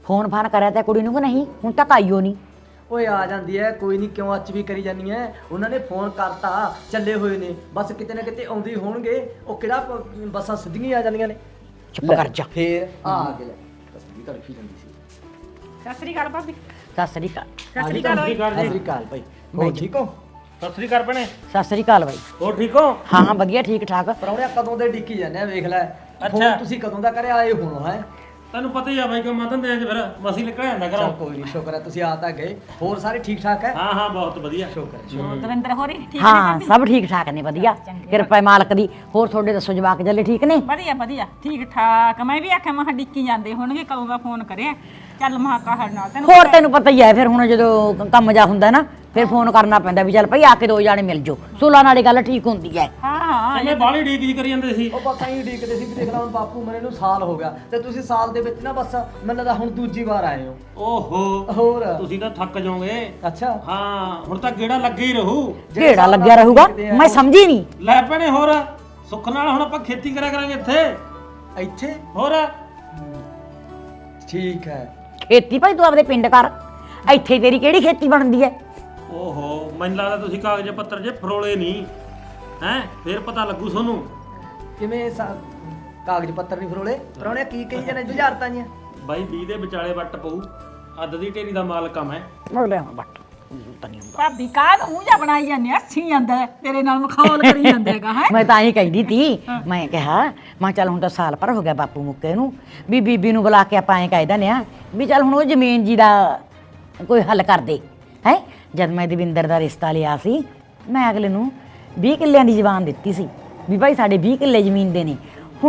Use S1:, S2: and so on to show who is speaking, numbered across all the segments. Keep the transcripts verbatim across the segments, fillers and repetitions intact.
S1: Phone ਫਾਨ ਕਰਿਆ ਤਾਂ ਕੁੜੀ ਨੂੰ ਕਿ ਨਹੀਂ? ਹੁਣ ਤੱਕ ਆਈਓ ਨਹੀਂ।
S2: ਓਏ ਆ ਜਾਂਦੀ ਹੈ, ਕੋਈ ਨਹੀਂ, ਕਿਉਂ ਅੱਜ ਵੀ ਕਰੀ ਜਾਂਦੀ ਹੈ? ਉਹਨਾਂ ਨੇ ਫੋਨ ਕਰਤਾ, ਚੱਲੇ ਹੋਏ ਨੇ, ਬਸ ਕਿਤੇ ਨਾ ਕਿਤੇ ਆਉਂਦੇ ਹੋਣਗੇ। ਉਹ ਕਿਹੜਾ ਪ- ਬੱਸਾਂ ਸਿੱਧੀਆਂ ਆ ਜਾਂਦੀਆਂ ਨੇ।
S1: ਚੁੱਪ ਕਰ ਜਾ।
S2: ਫੇਰ ਆ ਆ ਕੇ ਲੈ ਤਸਵੀਰ ਤੜਫੀ ਜਾਂਦੀ ਸੀ।
S3: ਸਤਿ ਸ੍ਰੀ ਅਕਾਲ ਭਾਬੀ।
S1: ਸਤਿ ਸ੍ਰੀ ਅਕਾਲ।
S3: ਸਤਿ ਸ੍ਰੀ ਅਕਾਲ।
S2: ਸਤਿ ਸ੍ਰੀ ਅਕਾਲ ਭਾਈ, ਹੋ ਠੀਕ ਹੋ?
S4: ਸਤਿ ਸ੍ਰੀ ਅਕਾਲ ਭੈਣੇ।
S1: ਸਤਿ ਸ੍ਰੀ ਅਕਾਲ ਬਾਈ।
S4: ਹੋਰ ਠੀਕ ਹੋ?
S1: ਹਾਂ ਹਾਂ ਵਧੀਆ ਠੀਕ ਠਾਕ।
S2: ਪਰੌਣਿਆ ਕਦੋਂ ਦੇ ਡਿੱਕੀ ਜਾਂਦੇ ਆ, ਵੇਖ ਲੈ
S4: ਅੱਛਾ।
S2: ਫੋਨ ਤੁਸੀਂ ਕਦੋਂ ਦਾ ਕਰਿਆ ਆਏ ਹੁਣ ਹੈ?
S4: ਤੈਨੂੰ ਪਤਾ ਹੀ ਆ ਬਾਈ ਕਿ ਮੈਂ ਧੰਦੇ ਚ ਫਿਰ ਮਸੀ ਨਿਕਲ ਜਾਂਦਾ
S2: ਚਲ
S4: ਘਰੋਂ।
S2: ਕੋਈ ਨਹੀਂ, ਸ਼ੁਕਰ ਹੈ ਤੁਸੀਂ ਆ ਤਾਂ ਗਏ। ਹੋਰ ਸਾਰੇ ਠੀਕ ਠਾਕ ਹੈ?
S4: ਹਾਂ ਹਾਂ ਬਹੁਤ ਵਧੀਆ।
S2: ਸ਼ੁਕਰ ਹੈ, ਸ਼ੁਕਰ।
S3: ਦਵਿੰਦਰ ਹੋਰੀ ਠੀਕ ਨੇ
S1: ਹਾਂ
S3: ਭਾਬੀ?
S1: ਸਭ ਠੀਕ ਠਾਕ ਨੇ ਵਧੀਆ, ਕਿਰਪਾ ਹੈ ਮਾਲਕ ਦੀ। ਹੋਰ ਤੁਹਾਡੇ ਦੱਸੋ ਜਵਾਕ ਜੱਲੇ ਠੀਕ ਨੇ?
S3: ਵਧੀਆ ਵਧੀਆ ਠੀਕ ਠਾਕ। ਮੈਂ ਵੀ ਆਖਿਆ ਮੈਂ ਡਿੱਕੀ ਜਾਂਦੇ ਹੋਣਗੇ, ਕਦੋਂ ਦਾ ਫੋਨ ਕਰਿਆ। ਚੱਲ ਮਹਾ ਕਹੜ ਨਾਲ ਤੈਨੂੰ
S1: ਹੋਰ ਤੈਨੂੰ ਪਤਾ ਹੀ ਹੈ ਫਿਰ ਹੁਣ ਜਦੋਂ ਕੰਮ ਜਾ ਹੁੰਦਾ ਨਾ ਫਿਰ ਫੋਨ ਕਰਨਾ ਪੈਂਦਾ ਵੀ ਚੱਲ ਭਾਈ ਆ ਕੇ ਦੋ ਜਾਣੇ ਮਿਲ ਜਾਓ। ਸੁਲਾ ਨਾਲੇ ਗੱਲ ਠੀਕ ਹੁੰਦੀ ਹੈ।
S3: ਹਾਂ ਹਾਂ
S4: ਕਿਵੇਂ ਬਾਹਲੀ ਡੀਕ ਜੀ ਕਰੀ ਜਾਂਦੇ ਸੀ।
S2: ਉਹ ਬਸ ਐਂ ਡੀਕਦੇ ਸੀ ਵੀ ਦੇਖ ਲਾ ਹੁਣ ਬਾਪੂ ਮਰੇ ਨੂੰ ਸਾਲ ਹੋ ਗਿਆ ਤੇ ਤੁਸੀਂ ਸਾਲ ਦੇ ਵਿੱਚ ਨਾ ਬਸ ਮੈਨੂੰ ਲੱਗਦਾ ਹੁਣ ਦੂਜੀ ਵਾਰ ਆਏ ਹੋ।
S4: ਓਹੋ
S2: ਹੋਰ
S4: ਤੁਸੀਂ ਤਾਂ ਥੱਕ ਜਾਓਗੇ।
S2: ਅੱਛਾ,
S4: ਹਾਂ ਹੁਣ ਤਾਂ ਗੇੜਾ ਲੱਗੇ ਹੀ ਰਹੂ।
S1: ਢੇੜਾ ਲੱਗਿਆ ਰਹੂਗਾ। ਮੈਂ ਸਮਝੀ ਨਹੀਂ।
S4: ਲੈ ਭੈਣੇ ਹੋਰ ਸੁੱਖ ਨਾਲ ਹੁਣ ਆਪਾਂ ਖੇਤੀ ਕਰਿਆ ਕਰਾਂਗੇ ਇੱਥੇ।
S2: ਇੱਥੇ
S4: ਹੋਰ
S2: ਠੀਕ ਹੈ।
S1: ਖੇਤੀ ਭਾਈ ਤੂੰ ਆਪਦੇ ਪਿੰਡ ਕਰ, ਇੱਥੇ ਤੇਰੀ ਕਿਹੜੀ ਖੇਤੀ ਬਣਦੀ ਹੈ?
S4: ਓਹੋ ਮੈਨੂੰ ਲੱਗਦਾ ਤੁਸੀਂ ਕਾਗਜ਼ ਪੱਤਰ ਜੇ ਫਰੋਲੇ ਨਹੀਂ ਹੈ, ਫੇਰ ਪਤਾ ਲੱਗੂ ਤੁਹਾਨੂੰ।
S2: ਕਿਵੇਂ ਸਾ- ਕਾਗਜ਼ ਪੱਤਰ ਨਹੀਂ ਫਰੋਲੇ? ਪਰੌਣਿਆ ਕੀ ਕਹੀ ਜਾਂਦੇ ਬੁਝਾਰਤਾਂ ਜੀਆਂ?
S4: ਬਾਈ ਵੀਹ ਦੇ ਵਿਚਾਲੇ ਵੱਟ ਪਊ। ਅੱਧ ਦੀ ਢੇਰੀ ਦਾ ਮਾਲਕ ਆ ਮੈਂ।
S1: ਬੋਲੇ ਹੁਣ ਬੱਟ ਤਨੀ ਹੁੰਦਾ।
S3: ਭਾਬੀ ਕਾਹ ਨੂੰ ਮੂੰਹ ਜਾ ਬਣਾਈ ਜਾਂਦੇ ਆ, ਸੀ ਜਾਂਦਾ ਹੈ, ਤੇਰੇ ਨਾਲ ਮਖੌਲ ਕਰੀ ਜਾਂਦੇ ਹੈਗਾ ਹੈ।
S1: ਮੈਂ ਤਾਂ ਹੀ ਕਹਿੰਦੀ ਤੀ, ਮੈਂ ਕਿਹਾ ਮੈਂ ਚੱਲ ਹੁਣ ਤਾਂ ਸਾਲ ਭਰ ਹੋ ਗਿਆ ਬਾਪੂ ਮੁੱਕੇ ਨੂੰ, ਵੀ ਬੀਬੀ ਨੂੰ ਬੁਲਾ ਕੇ ਆਪਾਂ ਐਂ ਕਹਿ ਦਿੰਦੇ ਆ ਵੀ ਚੱਲ ਹੁਣ ਉਹ ਜ਼ਮੀਨ ਜੀ ਦਾ ਕੋਈ ਹੱਲ ਕਰ ਦੇ ਹੈ। ਜਦ ਮੈਂ ਦਵਿੰਦਰ ਦਾ ਰਿਸ਼ਤਾ ਲਿਆ ਸੀ ਮੈਂ ਅਗਲੇ ਨੂੰ ਵੀਹ ਕਿੱਲਿਆਂ ਦੀ ਜ਼ਬਾਨ ਦਿੱਤੀ ਸੀ ਵੀ ਭਾਈ ਸਾਡੇ ਵੀਹ ਕਿੱਲੇ ਜ਼ਮੀਨ ਦੇ ਨੇ। ਹੁਣ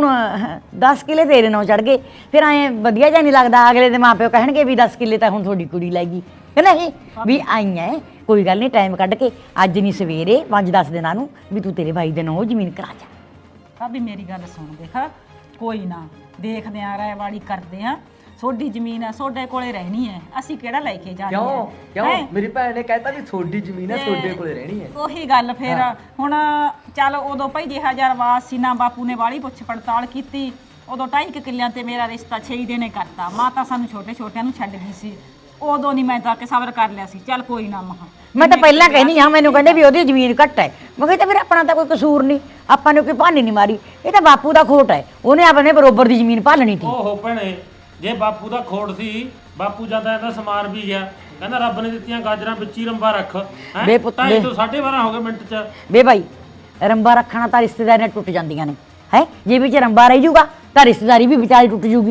S1: ਦਸ ਕਿੱਲੇ ਤੇਰੇ ਨਾਲ ਚੜ ਗਏ, ਫਿਰ ਐਂ ਵਧੀਆ ਜਿਹਾ ਨਹੀਂ ਲੱਗਦਾ। ਅਗਲੇ ਦੇ ਮਾਪਿਓ ਕਹਿਣਗੇ ਵੀ ਦਸ ਕਿੱਲੇ ਤਾਂ ਹੁਣ ਤੁਹਾਡੀ ਕੁੜੀ ਲੈ ਗਈ ਕਿ ਨਹੀਂ। ਵੀ ਆਈ ਐ ਕੋਈ ਗੱਲ ਨਹੀਂ, ਟਾਈਮ ਕੱਢ ਕੇ ਅੱਜ ਨਹੀਂ ਸਵੇਰੇ ਪੰਜ ਦਸ ਦਿਨਾਂ ਨੂੰ ਵੀ ਤੂੰ ਤੇਰੇ ਭਾਈ ਦੇ ਨਾਂ ਉਹ ਜ਼ਮੀਨ ਕਰਾ ਜਾ।
S3: ਭਾਬੀ ਮੇਰੀ ਗੱਲ ਸੁਣ, ਦੇਖ ਕੋਈ ਨਾ ਦੇਖਦੇ ਆ, ਰਾਇਵਾੜੀ ਕਰਦੇ ਆ। ਤੁਹਾਡੀ ਜ਼ਮੀਨ ਆ, ਤੁਹਾਡੇ ਕੋਲੇ ਰਹਿਣੀ ਹੈ, ਅਸੀਂ ਕਿਹੜਾ ਲੈ ਕੇ ਜਾਣੀ
S2: ਕਿਉਂ
S3: ਹੈ?
S2: ਕਿਉਂ
S3: ਹੈਂ?
S2: ਮੇਰੀ ਭੈਣ ਨੇ ਕਹਿਤਾ ਵੀ ਤੁਹਾਡੀ ਜ਼ਮੀਨ ਹੈ,
S3: ਤੇ
S2: ਤੁਹਾਡੇ ਕੋਲੇ ਰਹਿਣੀ ਹੈ।
S3: ਉਹੀ ਗੱਲ ਫਿਰ ਹੁਣ ਚੱਲ ਉਦੋਂ ਭਾਈ ਜਿਹਾ ਹਜ਼ਾਰ ਵਾਸ ਸੀ ਨਾ, ਬਾਪੂ ਨੇ ਵਾਲੀ ਪੁੱਛ ਪੜਤਾਲ ਕੀਤੀ। ਉਦੋਂ ਢਾਈ ਕੁ ਕਿੱਲਿਆਂ ਤੇ ਮੇਰਾ ਰਿਸ਼ਤਾ ਛੇ ਦਿਨੇ ਕਰਤਾ। ਮਾਤਾ ਸਾਨੂੰ ਛੋਟੇ ਛੋਟਿਆਂ ਨੂੰ ਛੱਡ ਗਈ ਸੀ। ਉਦੋਂ ਨਹੀਂ ਮੈਂ ਤਾਂ ਕਿ ਸਬਰ ਕਰ ਲਿਆ ਸੀ। ਚੱਲ ਕੋਈ ਨਾ ਮਹਾ
S1: ਮੈਂ ਤਾਂ ਪਹਿਲਾਂ ਕਹਿੰਦੀ ਹਾਂ, ਮੈਨੂੰ ਕਹਿੰਦੇ ਵੀ ਉਹਦੀ ਜ਼ਮੀਨ ਘੱਟ ਹੈ। ਮੈਂ ਕਿਹਾ ਤਾਂ ਫਿਰ ਆਪਣਾ ਤਾਂ ਕੋਈ ਕਸੂਰ ਨਹੀਂ, ਆਪਾਂ ਨੇ ਕੋਈ ਭਾਨੀ ਨਹੀਂ ਮਾਰੀ। ਇਹ ਤਾਂ ਬਾਪੂ ਦਾ ਖੋਟ ਹੈ, ਉਹਨੇ ਆਪਣੇ ਬਰੋਬਰ ਦੀ ਜ਼ਮੀਨ ਭਾਲਣੀ ਸੀ।
S4: ਓਹੋ ਭੈਣੇ ਜੇ ਬਾਪੂ ਦਾ ਖੋੜ ਸੀ, ਬਾਪੂ ਜਾਂਦਾ ਇਹਦਾ ਸਮਾਰ ਵੀ ਗਿਆ। ਕਹਿੰਦਾ ਰੱਬ ਨੇ ਦਿੱਤੀਆਂ ਗਾਜਰਾਂ ਵਿੱਚ ਹੀ ਰੰਬਾ ਰੱਖ। ਹੈਂ?
S1: ਬੇ ਪੁੱਤ
S4: ਢਾਈ
S1: ਬੇ।
S4: ਤੋਂ ਸਾਢੇ ਬਾਰਾਂ ਹੋ ਗਏ ਮਿੰਟ ਚ।
S1: ਵੇ ਭਾਈ ਰੰਬਾ ਰੱਖਣਾ ਤਾਂ ਰਿਸ਼ਤੇਦਾਰੀਆਂ ਟੁੱਟ ਜਾਂਦੀਆਂ ਨੇ ਹੈ। ਜੇ ਵਿੱਚ ਰੰਬਾ ਰਹਿ ਜੂਗਾ ਤਾਂ ਰਿਸ਼ਤੇਦਾਰੀ ਵੀ ਵਿਚਾਰੀ ਟੁੱਟ ਜੂਗੀ।